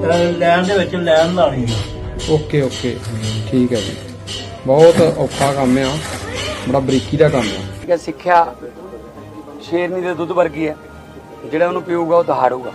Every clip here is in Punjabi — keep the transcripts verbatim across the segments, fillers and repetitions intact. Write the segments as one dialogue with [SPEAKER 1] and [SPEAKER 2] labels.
[SPEAKER 1] ਲੈਣ ਦੇ ਵਿੱਚ ਲੈਣ ਲਾਣੀ ਆ।
[SPEAKER 2] ਓਕੇ ਓਕੇ ਠੀਕ ਹੈ ਜੀ। ਬਹੁਤ ਔਖਾ ਕੰਮ ਆ, ਬੜਾ ਬਰੀਕੀ ਦਾ ਕੰਮ ਆ।
[SPEAKER 3] ਸਿੱਖਿਆ ਸ਼ੇਰਨੀ ਦੇ ਦੁੱਧ ਵਰਗੀ ਹੈ, ਜਿਹੜਾ ਉਹਨੂੰ ਪੀਊਗਾ ਉਹ ਦਹਾੜੂਗਾ।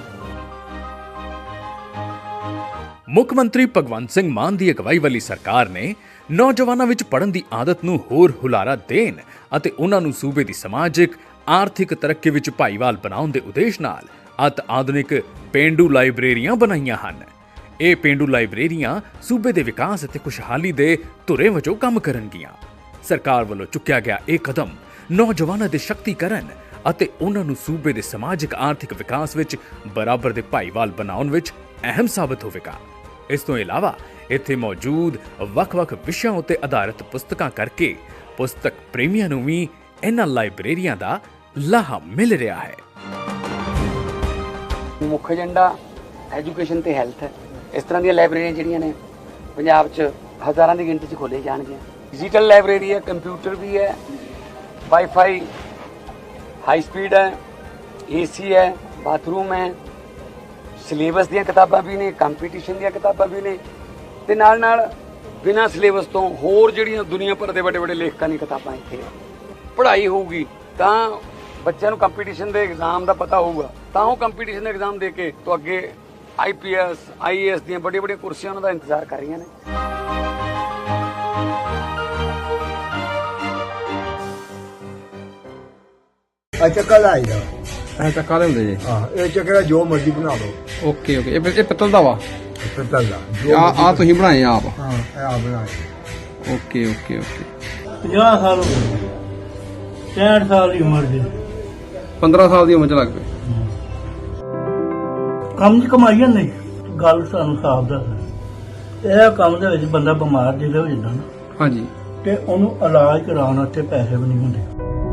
[SPEAKER 4] ਮੁੱਖ ਮੰਤਰੀ ਭਗਵੰਤ ਸਿੰਘ ਮਾਨ ਦੀ ਅਗਵਾਈ ਵਾਲੀ ਸਰਕਾਰ ਨੇ ਨੌਜਵਾਨਾਂ ਵਿੱਚ ਪੜ੍ਹਨ ਦੀ ਆਦਤ ਨੂੰ ਹੋਰ ਹੁਲਾਰਾ ਦੇਣ ਅਤੇ ਉਹਨਾਂ ਨੂੰ ਸੂਬੇ ਦੀ ਸਮਾਜਿਕ ਆਰਥਿਕ ਤਰੱਕੀ ਵਿੱਚ ਭਾਈਵਾਲ ਬਣਾਉਣ ਦੇ ਉਦੇਸ਼ ਨਾਲ ਅਤ ਆਧੁਨਿਕ ਪੇਂਡੂ ਲਾਇਬ੍ਰੇਰੀਆਂ ਬਣਾਈਆਂ ਹਨ। ਇਹ ਪੇਂਡੂ ਲਾਇਬ੍ਰੇਰੀਆਂ ਸੂਬੇ ਦੇ ਵਿਕਾਸ ਅਤੇ ਖੁਸ਼ਹਾਲੀ ਦੇ ਧੁਰੇ ਵਜੋਂ ਕੰਮ ਕਰਨਗੀਆਂ। ਸਰਕਾਰ ਵੱਲੋਂ ਚੁੱਕਿਆ ਗਿਆ ਇਹ ਕਦਮ ਨੌਜਵਾਨਾਂ ਦੇ ਸ਼ਕਤੀਕਰਨ ਅਤੇ ਉਹਨਾਂ ਨੂੰ ਸੂਬੇ ਦੇ ਸਮਾਜਿਕ ਆਰਥਿਕ ਵਿਕਾਸ ਵਿੱਚ ਬਰਾਬਰ ਦੇ ਭਾਈਵਾਲ ਬਣਾਉਣ ਵਿੱਚ ਅਹਿਮ ਸਾਬਤ ਹੋਵੇਗਾ। ਇਸ ਤੋਂ ਇਲਾਵਾ ਇੱਥੇ ਮੌਜੂਦ ਵੱਖ-ਵੱਖ ਵਿਸ਼ਿਆਂ ਉੱਤੇ ਆਧਾਰਿਤ ਪੁਸਤਕਾਂ ਕਰਕੇ ਪੁਸਤਕ ਪ੍ਰੇਮੀਆਂ ਨੂੰ ਵੀ ਇਹਨਾਂ ਲਾਇਬ੍ਰੇਰੀਆਂ ਦਾ ਲਾਹਾ ਮਿਲ ਰਿਹਾ ਹੈ।
[SPEAKER 3] ਮੁੱਖ ਏਜੰਡਾ ਐਜੂਕੇਸ਼ਨ ਤੇ ਹੈਲਥ ਹੈ। ਇਸ ਤਰ੍ਹਾਂ ਦੀਆਂ ਲਾਇਬ੍ਰੇਰੀਆਂ ਜਿਹੜੀਆਂ ਨੇ ਪੰਜਾਬ 'ਚ ਹਜ਼ਾਰਾਂ ਦੀ ਗਿਣਤੀ 'ਚ ਖੋਲ੍ਹੀਆਂ ਜਾਣਗੀਆਂ। ਡਿਜੀਟਲ ਲਾਇਬ੍ਰੇਰੀ ਹੈ, ਕੰਪਿਊਟਰ ਵੀ ਹੈ, ਵਾਈਫਾਈ ਹਾਈ ਸਪੀਡ ਹੈ, ਏਸੀ ਹੈ, ਬਾਥਰੂਮ ਹੈ, ਸਿਲੇਬਸ ਦੀਆਂ ਕਿਤਾਬਾਂ ਵੀ ਨੇ, ਕੰਪੀਟੀਸ਼ਨ ਦੀਆਂ ਕਿਤਾਬਾਂ ਵੀ ਨੇ ਤੇ ਨਾਲ ਨਾਲ ਬਿਨਾਂ ਸਿਲੇਬਸ ਤੋਂ ਹੋਰ ਜਿਹੜੀਆਂ ਦੁਨੀਆ ਭਰ ਦੇ ਵੱਡੇ ਵੱਡੇ ਲੇਖਕਾਂ ਦੀਆਂ ਕਿਤਾਬਾਂ ਇੱਥੇ ਪੜ੍ਹਾਈ ਹੋਊਗੀ। ਤਾਂ ਬੱਚਿਆਂ ਨੂੰ ਕੰਪੀਟੀਸ਼ਨ ਦੇ ਐਗਜ਼ਾਮ ਦਾ ਪਤਾ ਹੋਊਗਾ, ਤਾਂ ਉਹ ਕੰਪੀਟੀਸ਼ਨ ਦੇ ਐਗਜ਼ਾਮ ਦੇ ਕੇ ਤੋਂ ਅੱਗੇ ਆਈ P S I A S ਦੀਆਂ ਵੱਡੀਆਂ ਵੱਡੀਆਂ ਕੁਰਸੀਆਂ ਉਹਨਾਂ ਦਾ ਇੰਤਜ਼ਾਰ ਕਰ ਰਹੀਆਂ ਨੇ।
[SPEAKER 5] ਆ ਚੱਕਾ ਲਾਈਦਾ
[SPEAKER 2] ਐ ਚੱਕਾ ਦੇ ਹੁੰਦੇ ਜੀ।
[SPEAKER 5] ਹਾਂ, ਇਹ ਚੱਕਾ ਜੋ ਮਰਜ਼ੀ ਬਣਾ ਲਓ।
[SPEAKER 2] ਓਕੇ ਓਕੇ ਇਹ ਇਹ ਪਿੱਤਲ ਦਾ ਵਾ।
[SPEAKER 5] ਪਿੱਤਲ ਦਾ
[SPEAKER 2] ਆ ਆ ਤੁਸੀਂ ਬਣਾਏ ਆਪ?
[SPEAKER 5] ਹਾਂ, ਇਹ ਆ ਬਣਾਏ।
[SPEAKER 2] ਓਕੇ ਓਕੇ ਓਕੇ
[SPEAKER 1] ਪੰਜਾਹ ਸਾਲ ਹੋ ਗਏ, ਪੈਂਹਠ ਸਾਲ ਦੀ ਉਮਰ ਦੇ
[SPEAKER 2] ਪੰਦਰਾਂ ਸਾਲ ਦੀ ਉਮਰ ਚ ਲੱਗ ਪਏ।
[SPEAKER 1] ਕੰਮ ਦੀ ਕਮਾਈ ਨਹੀਂ, ਗੱਲ ਸਾਨੂੰ ਸਾਫ਼ ਦੱਸ। ਇਹ ਕੰਮ ਦੇ ਵਿੱਚ ਬੰਦਾ ਬਿਮਾਰ ਜਿਹੜੇ ਹੋ ਜਾਂਦਾ ਨਾ,
[SPEAKER 2] ਹਾਂਜੀ,
[SPEAKER 1] ਤੇ ਉਹਨੂੰ ਇਲਾਜ ਕਰਾਉਣ ਵਾਸਤੇ ਪੈਸੇ ਵੀ ਨਹੀਂ ਹੁੰਦੇ।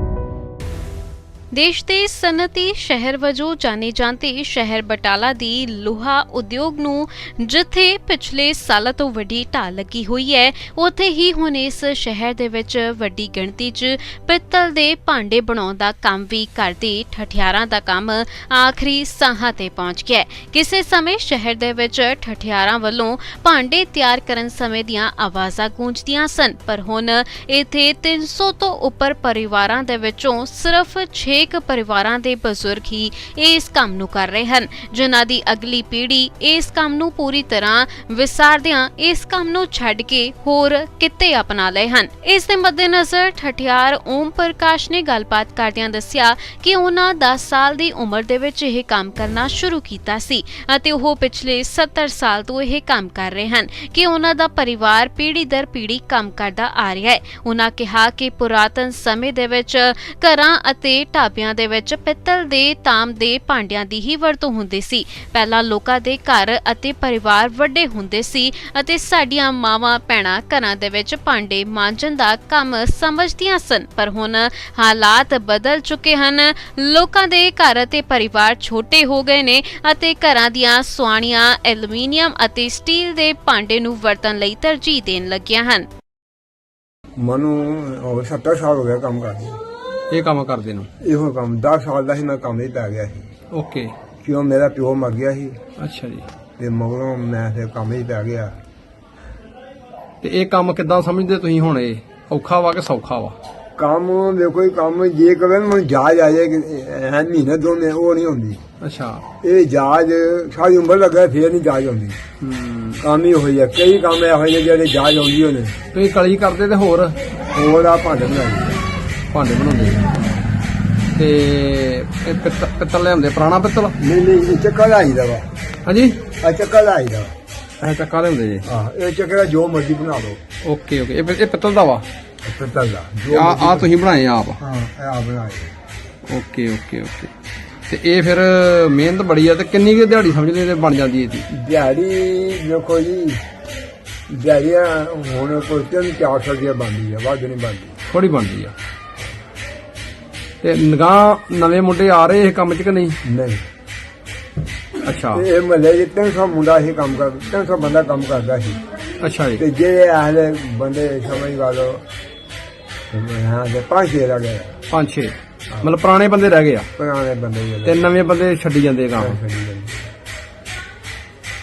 [SPEAKER 6] ਦੇਸ਼ ਦੇ ਸਨਅਤੀ ਸ਼ਹਿਰ ਵਜੋਂ ਜਾਣੇ ਜਾਂਦੇ ਸ਼ਹਿਰ ਬਟਾਲਾ ਦੀ ਲੋਹਾ ਉਦਯੋਗ ਨੂੰ ਜਿੱਥੇ ਪਿਛਲੇ ਸਾਲਾਂ ਤੋਂ ਵੱਡੀ ਢਾਲ ਲੱਗੀ ਹੋਈ ਹੈ, ਉੱਥੇ ਹੀ ਹੁਣ ਇਸ ਸ਼ਹਿਰ ਦੇ ਵਿੱਚ ਵੱਡੀ ਗਿਣਤੀ 'ਚ ਪਿੱਤਲ ਦੇ ਭਾਂਡੇ ਬਣਾਉਣ ਦਾ ਕੰਮ ਵੀ ਕਰਦੇ ਠਠਿਆਰਾਂ ਦਾ ਕੰਮ ਆਖਰੀ ਸਾਹਾਂ ਤੇ ਪਹੁੰਚ ਗਿਆ। ਕਿਸੇ ਸਮੇਂ ਸ਼ਹਿਰ ਦੇ ਵਿੱਚ ਠਠਿਆਰਾਂ ਵੱਲੋਂ ਭਾਂਡੇ ਤਿਆਰ ਕਰਨ ਸਮੇਂ ਦੀਆਂ ਆਵਾਜ਼ਾਂ ਗੂੰਜਦੀਆਂ ਸਨ, ਪਰ ਹੁਣ ਇੱਥੇ ਤਿੰਨ ਸੌ ਤੋਂ ਉੱਪਰ ਪਰਿਵਾਰਾਂ ਦੇ ਵਿੱਚੋਂ ਸਿਰਫ ਛੇ ਇੱਕ ਪਰਿਵਾਰਾਂ ਦੇ ਬਜ਼ੁਰਗ ਹੀ ਇਸ ਕੰਮ ਨੂੰ ਕਰ ਰਹੇ ਹਨ, ਜਿਨ੍ਹਾਂ ਦੀ ਅਗਲੀ ਪੀੜ੍ਹੀ ਇਸ ਕੰਮ ਨੂੰ ਪੂਰੀ ਤਰ੍ਹਾਂ ਵਿਸਾਰਦਿਆਂ ਇਸ ਕੰਮ ਨੂੰ ਛੱਡ ਕੇ ਹੋਰ ਕਿੱਤੇ ਅਪਣਾ ਲਏ ਹਨ। ਇਸ ਦੇ ਮੱਦੇਨਜ਼ਰ ਠਠਿਆਰ ਓਮ ਪ੍ਰਕਾਸ਼ ਨੇ ਗੱਲਬਾਤ ਕਰਦਿਆਂ ਦੱਸਿਆ ਕਿ ਉਹਨਾਂ ਦਸ ਸਾਲ ਦੀ ਉਮਰ ਦੇ ਵਿੱਚ ਇਹ ਕੰਮ ਕਰਨਾ ਸ਼ੁਰੂ ਕੀਤਾ ਸੀ ਅਤੇ ਉਹ ਪਿਛਲੇ ਸੱਤਰ ਸਾਲ ਤੋਂ ਇਹ ਕੰਮ ਕਰ ਰਹੇ ਹਨ ਕਿ ਉਹਨਾਂ ਦਾ ਪਰਿਵਾਰ ਪੀੜ੍ਹੀ ਦਰ ਪੀੜ੍ਹੀ ਕੰਮ ਕਰਦਾ ਆ ਰਿਹਾ ਹੈ। ਉਹਨਾਂ ਕਿਹਾ ਕਿ ਪੁਰਾਤਨ ਸਮੇਂ ਦੇ ਵਿੱਚ ਘਰਾਂ ਅਤੇ ਢਾਬਿਆਂ ਦੇ ਵਿੱਚ ਪਿੱਤਲ ਦੇ ਤਾਂਬ ਦੇ ਭਾਂਡਿਆਂ ਦੀ ਹੀ ਵਰਤੋਂ ਹੁੰਦੀ ਸੀ। ਪਹਿਲਾਂ ਲੋਕਾਂ ਦੇ ਘਰ ਅਤੇ ਪਰਿਵਾਰ ਵੱਡੇ ਹੁੰਦੇ ਸੀ ਅਤੇ ਸਾਡੀਆਂ ਮਾਵਾਂ ਭੈਣਾਂ ਘਰਾਂ ਦੇ ਵਿੱਚ ਭਾਂਡੇ ਮਾਂਜਣ ਦਾ ਕੰਮ ਸਮਝਦੀਆਂ ਸਨ, ਪਰ ਹੁਣ ਹਾਲਾਤ ਬਦਲ ਚੁੱਕੇ ਹਨ। ਲੋਕਾਂ ਦੇ ਘਰ ਅਤੇ ਪਰਿਵਾਰ ਛੋਟੇ ਹੋ ਗਏ ਨੇ ਅਤੇ ਘਰਾਂ ਦੀਆਂ ਸੁਆਣੀਆਂ ਐਲੂਮੀਨੀਅਮ ਅਤੇ ਸਟੀਲ ਦੇ ਭਾਂਡੇ ਨੂੰ ਵਰਤਣ ਲਈ ਤਰਜੀਹ ਦੇਣ ਲੱਗੀਆਂ ਹਨ।
[SPEAKER 5] ਮੈਨੂੰ ਸੱਤਰ ਸਾਲ ਹੋ ਗਿਆ ਕੰਮ ਕਰਦੇ।
[SPEAKER 2] ਇਹ ਕੰਮ ਕਰਦੇ ਨੂੰ?
[SPEAKER 5] ਇਹੋ ਕੰਮ ਦਸ ਸਾਲ ਦਾ ਸੀ, ਮੈਂ ਕੰਮ ਹੀ ਪੈ ਗਿਆ ਸੀ।
[SPEAKER 2] ਓਕੇ।
[SPEAKER 5] ਕਿਉਂ ਮੇਰਾ ਪਿਓ ਮਰ ਗਿਆ ਸੀ।
[SPEAKER 2] ਅੱਛਾ ਜੀ।
[SPEAKER 5] ਤੇ ਮਗਰੋਂ ਮੈਂ ਫਿਰ ਕੰਮ ਹੀ ਪੈ ਗਿਆ।
[SPEAKER 2] ਤੇ ਇਹ ਕੰਮ ਕਿੱਦਾਂ ਸਮਝਦੇ ਤੁਸੀਂ ਹੁਣ? ਇਹ ਔਖਾ ਵਾ ਕਿ ਸੌਖਾ ਵਾ?
[SPEAKER 5] ਕੰਮ ਦੇਖੋ, ਇਹ ਕੰਮ ਜੇ ਕਰੇ ਮੈਨੂੰ ਜਾਜ ਆ ਜਾਏ ਐ ਮਹੀਨੇ ਦੋ ਮਹੀਨੇ, ਉਹ ਨਹੀਂ ਹੁੰਦੀ।
[SPEAKER 2] ਅੱਛਾ।
[SPEAKER 5] ਇਹ ਜਾਜ ਸਾਰੀ ਉਮਰ ਲੱਗਾ ਫੇਰ ਨਹੀਂ ਜਾਜ ਆਉਂਦੀ।
[SPEAKER 2] ਹੂੰ। ਕੰਮ
[SPEAKER 5] ਹੀ ਹੋਈ ਆ, ਕਈ ਕੰਮ ਇਹੋ ਜਿਹੇ ਜਿਹੜੇ ਜਾਜ ਆਉਂਦੀ ਹੋਣੇ।
[SPEAKER 2] ਤੁਸੀਂ ਕਲੀ ਕਰਦੇ ਤੇ ਹੋਰ
[SPEAKER 5] ਹੋਰ ਆ ਭਾਂਡੇ ਬਣਾਈ
[SPEAKER 2] ਭਾਂਡੇ ਬਣਾਉਂਦੇ ਤੇ ਇਹ ਪਿੱਤਲ ਪਿੱਤਲ ਲਿਆਉਂਦੇ? ਪੁਰਾਣਾ ਪਿੱਤਲ?
[SPEAKER 5] ਨਹੀਂ ਨਹੀਂ, ਇਹ ਚੱਕਾ ਲਾਈਦਾ ਵਾ।
[SPEAKER 2] ਹਾਂਜੀ,
[SPEAKER 5] ਆ ਚੱਕਾ ਲਾਈਦਾ
[SPEAKER 2] ਇਹ ਚੱਕਾ ਲਿਆਉਂਦੇ ਜੀ?
[SPEAKER 5] ਹਾਂ, ਇਹ ਚੱਕਾ ਜੋ ਮਰਜ਼ੀ ਬਣਾ ਲਓ।
[SPEAKER 2] ਓਕੇ ਓਕੇ ਇਹ ਇਹ ਪਿੱਤਲ ਦਾ ਵਾ?
[SPEAKER 5] ਪਿੱਤਲ ਦਾ।
[SPEAKER 2] ਆ ਆ ਤੁਸੀਂ ਬਣਾਏ ਆਪ?
[SPEAKER 5] ਹਾਂ, ਇਹ ਆ ਬਣਾਏ।
[SPEAKER 2] ਓਕੇ ਓਕੇ ਓਕੇ ਤੇ ਇਹ ਫਿਰ ਮਿਹਨਤ ਬੜੀ ਆ। ਤੇ ਕਿੰਨੀ ਕੁ ਦਿਹਾੜੀ ਸਮਝਦੇ ਤੇ ਬਣ ਜਾਂਦੀ ਇਹਦੀ?
[SPEAKER 5] ਦਿਹਾੜੀ ਦੇਖੋ ਜੀ, ਦਿਹਾੜੀਆਂ ਹੁਣ ਕੋਈ ਤਿੰਨ ਚਾਰ ਸੌ ਰੁਪਇਆ ਬਣਦੀ ਆ, ਵੱਧ ਨਹੀਂ ਬਣਦੀ,
[SPEAKER 2] ਥੋੜੀ ਬਣਦੀ ਆ। ਤੇ ਨਿਗਾਹ ਨਵੇਂ ਮੁੰਡੇ ਆ ਰਹੇ ਇਹ ਕੰਮ 'ਚ ਕਿ ਨਹੀਂ?
[SPEAKER 5] ਨਹੀਂ।
[SPEAKER 2] ਅੱਛਾ।
[SPEAKER 5] ਇਹ ਮਹੱਲੇ 'ਚ ਤਿੰਨ ਸੌ ਮੁੰਡਾ ਇਹ ਕੰਮ ਕਰ ਤਿੰਨ ਸੌ ਬੰਦਾ ਕੰਮ ਕਰਦਾ ਸੀ।
[SPEAKER 2] ਅੱਛਾ ਜੀ।
[SPEAKER 5] ਤੇ ਜਿਹੜੇ ਆਹਲੇ ਬੰਦੇ ਸਮਝ ਗਾ ਲਓ ਹਾਂ ਦੇ ਪੰਜ ਛੇ ਰਹਿ ਗਏ।
[SPEAKER 2] ਪੰਜ ਛੇ ਮਤਲਬ ਪੁਰਾਣੇ ਬੰਦੇ ਰਹਿ ਗਏ ਆ?
[SPEAKER 5] ਪੁਰਾਣੇ ਬੰਦੇ
[SPEAKER 2] ਤੇ ਨਵੇਂ ਬੰਦੇ ਛੱਡੀ ਜਾਂਦੇ ਕੰਮ।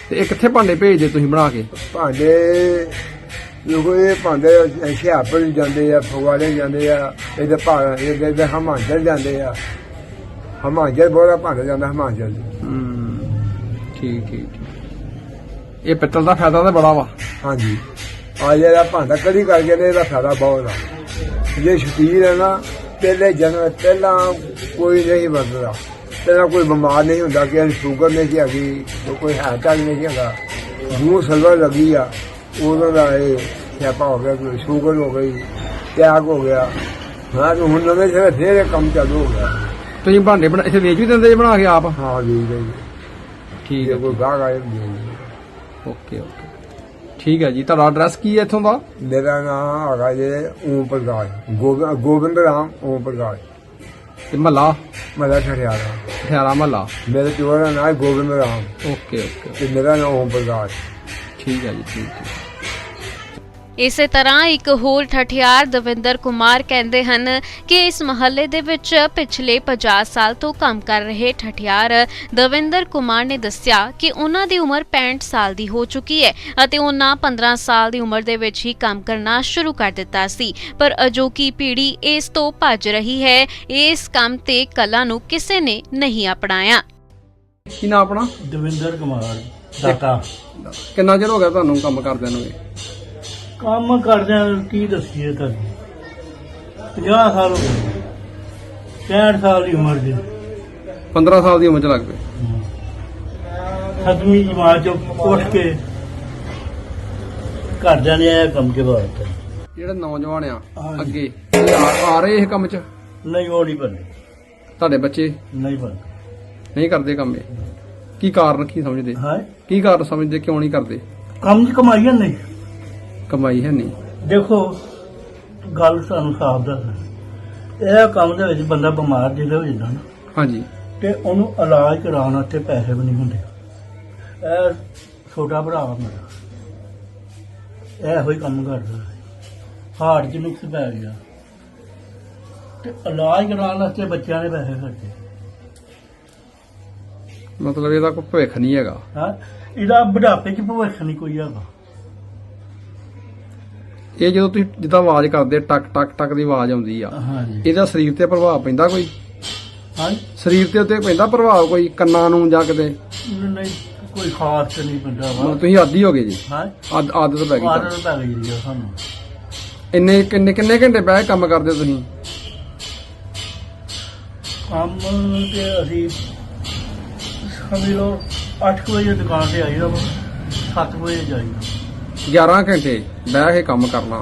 [SPEAKER 2] ਤੇ ਇਹ ਕਿੱਥੇ ਭਾਂਡੇ ਭੇਜਦੇ ਤੁਸੀਂ ਬਣਾ ਕੇ?
[SPEAKER 5] ਭਾਂਡੇ ਲੋਕੋ ਇਹ ਭਾਂਡੇ ਹੁਸ਼ਿਆਰਪੁਰ ਨੂੰ ਜਾਂਦੇ ਆ, ਫਗਵਾੜੇ ਜਾਂਦੇ ਆ, ਇਹਦੇ ਭਾਂ ਇਹਦੇ ਹਿਮਾਚਲ ਜਾਂਦੇ ਆ। ਹਿਮਾਚਲ ਬੋਲਾ ਭਾਂਡੇ ਜਾਂਦਾ ਹਿਮਾਚਲ।
[SPEAKER 2] ਹੂੰ ਠੀਕ ਠੀਕ ਠੀਕ। ਇਹ ਪਿੱਤਲ ਦਾ ਫਾਇਦਾ ਤਾਂ ਬੜਾ ਵਾ।
[SPEAKER 5] ਹਾਂਜੀ ਆ ਜਿਹੜਾ ਭਾਂਡਾ ਕਦੀ ਕਰਕੇ ਨੇ ਇਹਦਾ ਫਾਇਦਾ ਬਹੁਤ ਆ। ਜੇ ਸ਼ਕੀਰ ਹੈ ਨਾ, ਪਹਿਲੇ ਜਨਮ ਪਹਿਲਾਂ ਕੋਈ ਨਹੀਂ ਵਰਤਦਾ, ਪਹਿਲਾਂ ਕੋਈ ਬਿਮਾਰ ਨਹੀਂ ਹੁੰਦਾ, ਕਿ ਸ਼ੂਗਰ ਨਹੀਂ ਸੀ ਹੈਗੀ, ਕੋਈ ਹਾਰਟ ਅਟੈਕ ਨਹੀਂ ਸੀ ਹੈਗਾ। ਜੂੰ ਸਲਵਰ ਲੱਗੀ ਆ ਉਦੋਂ ਦਾ ਇਹ ਸਿਆਪਾ ਹੋ ਗਿਆ, ਕੋਈ ਸ਼ੂਗਰ ਹੋ ਗਈ, ਟੈਕ ਹੋ ਗਿਆ। ਹਾਂ ਹੁਣ ਨਵੇਂ ਸਿਰੇ ਫੇਰ ਇਹ ਕੰਮ ਚਾਲੂ ਹੋ ਗਿਆ।
[SPEAKER 2] ਤੁਸੀਂ ਭਾਂਡੇ ਬਣਾ ਇੱਥੇ ਵੇਚ ਵੀ ਦਿੰਦੇ ਜੇ ਬਣਾ ਕੇ ਆਪ?
[SPEAKER 5] ਹਾਂ ਜੀ ਜੀ
[SPEAKER 2] ਠੀਕ ਹੈ,
[SPEAKER 5] ਕੋਈ ਗਾਹਕ ਆਏ।
[SPEAKER 2] ਓਕੇ ਓਕੇ ਠੀਕ ਹੈ ਜੀ। ਤੁਹਾਡਾ ਐਡਰੈਸ ਕੀ ਹੈ ਇੱਥੋਂ ਦਾ?
[SPEAKER 5] ਮੇਰਾ ਨਾਮ ਹੈਗਾ ਜੀ ਓਮ ਪ੍ਰਕਾਸ਼, ਗੋਬਿੰਦ ਗੋਬਿੰਦ ਰਾਮ ਓਮ ਪ੍ਰਕਾਸ਼,
[SPEAKER 2] ਤੇ ਮਹੱਲਾ?
[SPEAKER 5] ਮੇਰਾ ਠਠਿਆਰਾ।
[SPEAKER 2] ਠਿਆਰਾ ਮਹੱਲਾ।
[SPEAKER 5] ਮੇਰੇ ਪਿਓ ਦਾ ਨਾਮ ਹੈ ਗੋਬਿੰਦ ਰਾਮ
[SPEAKER 2] ਓਕੇ ਓਕੇ
[SPEAKER 5] ਤੇ ਮੇਰਾ ਨਾਮ ਓਮ ਪ੍ਰਕਾਸ਼।
[SPEAKER 2] ਠੀਕ ਹੈ ਜੀ ਠੀਕ ਹੈ।
[SPEAKER 6] ਇਸੇ ਤਰ੍ਹਾਂ ਇੱਕ ਹੋਰ ਠਠਿਆਰ ਦਵਿੰਦਰ ਕੁਮਾਰ ਕਹਿੰਦੇ ਹਨ ਕਿ ਇਸ ਮਹੱਲੇ ਦੇ ਵਿੱਚ ਪਿਛਲੇ ਪੰਜਾਹ ਸਾਲ ਤੋਂ ਕੰਮ ਕਰ ਰਹੇ ਠਠਿਆਰ ਦਵਿੰਦਰ ਕੁਮਾਰ ਨੇ ਦੱਸਿਆ ਕਿ ਉਹਨਾਂ ਦੀ ਉਮਰ ਪੈਂਹਠ ਸਾਲ ਦੀ ਹੋ ਚੁੱਕੀ ਹੈ ਅਤੇ ਉਹਨਾਂ ਪੰਦਰਾਂ ਸਾਲ ਦੀ ਉਮਰ ਦੇ ਵਿੱਚ ਹੀ ਕੰਮ ਕਰਨਾ ਸ਼ੁਰੂ ਕਰ ਦਿੱਤਾ ਸੀ, ਪਰ ਅਜੋਕੀ ਪੀੜ੍ਹੀ ਇਸ ਤੋਂ ਭੱਜ ਰਹੀ ਹੈ। ਇਸ ਕੰਮ ਤੇ ਕਲਾ ਨੂੰ ਕਿਸੇ ਨੇ ਨਹੀਂ ਅਪਣਾਇਆ।
[SPEAKER 2] ਕੀ ਨਾਮ ਆਪਣਾ?
[SPEAKER 1] ਦਵਿੰਦਰ ਕੁਮਾਰ ਦਾਤਾ।
[SPEAKER 2] ਕਿੰਨਾ ਚਿਰ ਹੋ ਗਿਆ ਤੁਹਾਨੂੰ ਕੰਮ ਕਰਦਿਆਂ ਨੂੰ?
[SPEAKER 1] ਕੰਮ ਕਰਦਿਆਂ ਕੀ ਦੱਸੀਏ ਤੁਹਾਨੂੰ, ਪੰਜਾਹ ਸਾਲ ਹੋ ਗਏ, ਪੈਂਹਠ ਸਾਲ ਦੀ ਉਮਰ ਦੇ।
[SPEAKER 2] ਪੰਦਰਾਂ ਸਾਲ ਦੀ ਉਮਰ ਚ ਲੱਗ ਪਏ।
[SPEAKER 1] ਸੱਤਵੀਂ ਜਮਾਤ ਚੋਂ ਉੱਠ ਕੇ ਘਰਦਿਆਂ ਨੇ ਇਹ ਕੰਮ ਕੇ ਬਾਤ।
[SPEAKER 2] ਜਿਹੜੇ ਨੌਜਵਾਨ ਆ
[SPEAKER 1] ਹਾਂਜੀ।
[SPEAKER 2] ਅੱਗੇ ਇਹ ਆ ਆ ਰਹੇ ਇਹ ਕੰਮ ਚ?
[SPEAKER 1] ਨਹੀਂ ਉਹ ਨਹੀਂ ਬਣੇ,
[SPEAKER 2] ਤੁਹਾਡੇ ਬੱਚੇ
[SPEAKER 1] ਨਹੀਂ ਬਣੇ।
[SPEAKER 2] ਨਹੀਂ ਕਰਦੇ ਕੰਮ ਇਹ? ਕੀ ਕਾਰਨ ਕੀ ਸਮਝਦੇ?
[SPEAKER 1] ਹਾਂ
[SPEAKER 2] ਕੀ ਕਾਰਨ ਸਮਝਦੇ ਕਿਉਂ ਨਹੀਂ ਕਰਦੇ?
[SPEAKER 1] ਕੰਮ ਦੀ ਕਮਾਈ ਹੈ ਨਹੀਂ।
[SPEAKER 2] ਕਮਾਈ ਹੈ ਨਹੀਂ?
[SPEAKER 1] ਦੇਖੋ ਗੱਲ ਸਾਨੂੰ ਸਾਫ਼ ਦੱਸ, ਇਹ ਕੰਮ ਦੇ ਵਿੱਚ ਬੰਦਾ ਬਿਮਾਰ ਜਿਹਦੇ ਹੋ ਜਾਂਦਾ ਨਾ, ਹਾਂਜੀ, ਤੇ ਉਹਨੂੰ ਇਲਾਜ ਕਰਾਉਣ ਵਾਸਤੇ ਪੈਸੇ ਵੀ ਨਹੀਂ ਹੁੰਦੇ। ਇਹ ਛੋਟਾ ਭਰਾ ਮੇਰਾ ਇਹੋ ਹੀ ਕੰਮ ਕਰਦਾ, ਹਾਰਟ 'ਚ ਨੁਕਸ ਪੈ ਗਿਆ ਤੇ ਇਲਾਜ ਕਰਾਉਣ ਵਾਸਤੇ ਬੱਚਿਆਂ ਦੇ ਪੈਸੇ ਖਰਚੇ।
[SPEAKER 2] ਮਤਲਬ ਇਹਦਾ ਕੋਈ ਭਵਿੱਖ ਨਹੀਂ ਹੈਗਾ?
[SPEAKER 1] ਹਾਂ, ਇਹਦਾ ਬੁਢਾਪੇ 'ਚ ਭਵਿੱਖ ਨਹੀਂ ਕੋਈ ਹੈਗਾ।
[SPEAKER 2] ਇਹ ਜਦੋਂ ਤੁਸੀਂ ਜਿੱਦਾਂ ਆਵਾਜ਼ ਕਰਦੇ ਟਕ ਟਕ ਟਕ ਦੀ ਆਵਾਜ਼ ਆਉਂਦੀ ਆ,
[SPEAKER 1] ਹਾਂਜੀ,
[SPEAKER 2] ਇਹਦਾ ਸਰੀਰ ਤੇ ਪ੍ਰਭਾਵ ਪੈਂਦਾ ਕੋਈ?
[SPEAKER 1] ਹਾਂ,
[SPEAKER 2] ਸਰੀਰ ਤੇ ਉੱਤੇ ਪੈਂਦਾ ਪ੍ਰਭਾਵ ਕੋਈ, ਕੰਨਾਂ ਨੂੰ ਜਾਂ ਕਿਤੇ?
[SPEAKER 1] ਨਹੀਂ ਕੋਈ ਖਾਸ ਤੇ ਨਹੀਂ ਪੈਂਦਾ ਵਾ।
[SPEAKER 2] ਤੁਸੀਂ ਆਦੀ ਹੋ ਗਏ ਜੀ?
[SPEAKER 1] ਹਾਂ,
[SPEAKER 2] ਆਦ- ਆਦਤ ਪੈ ਗਈ ਤੁਹਾਨੂੰ?
[SPEAKER 1] ਆਦਤ ਪੈ ਗਈ ਜੀ ਸਾਨੂੰ।
[SPEAKER 2] ਇੰਨੇ ਕਿੰਨੇ ਕਿੰਨੇ ਘੰਟੇ ਬਹਿ ਕੇ ਕੰਮ ਕਰਦੇ ਹੋ ਤੁਸੀਂ?
[SPEAKER 1] ਕੰਮ ਤੇ ਅਸੀਂ ਸਮਝ ਲਓ ਅੱਠ ਵਜੇ ਦੁਕਾਨ ਤੇ ਆਈਦਾ ਵਾ, ਸੱਤ ਵਜੇ ਜਾਈਦਾ।
[SPEAKER 2] ਗਿਆਰਾਂ ਘੰਟੇ ਬਹਿ ਕੇ ਕੰਮ ਕਰਨਾ?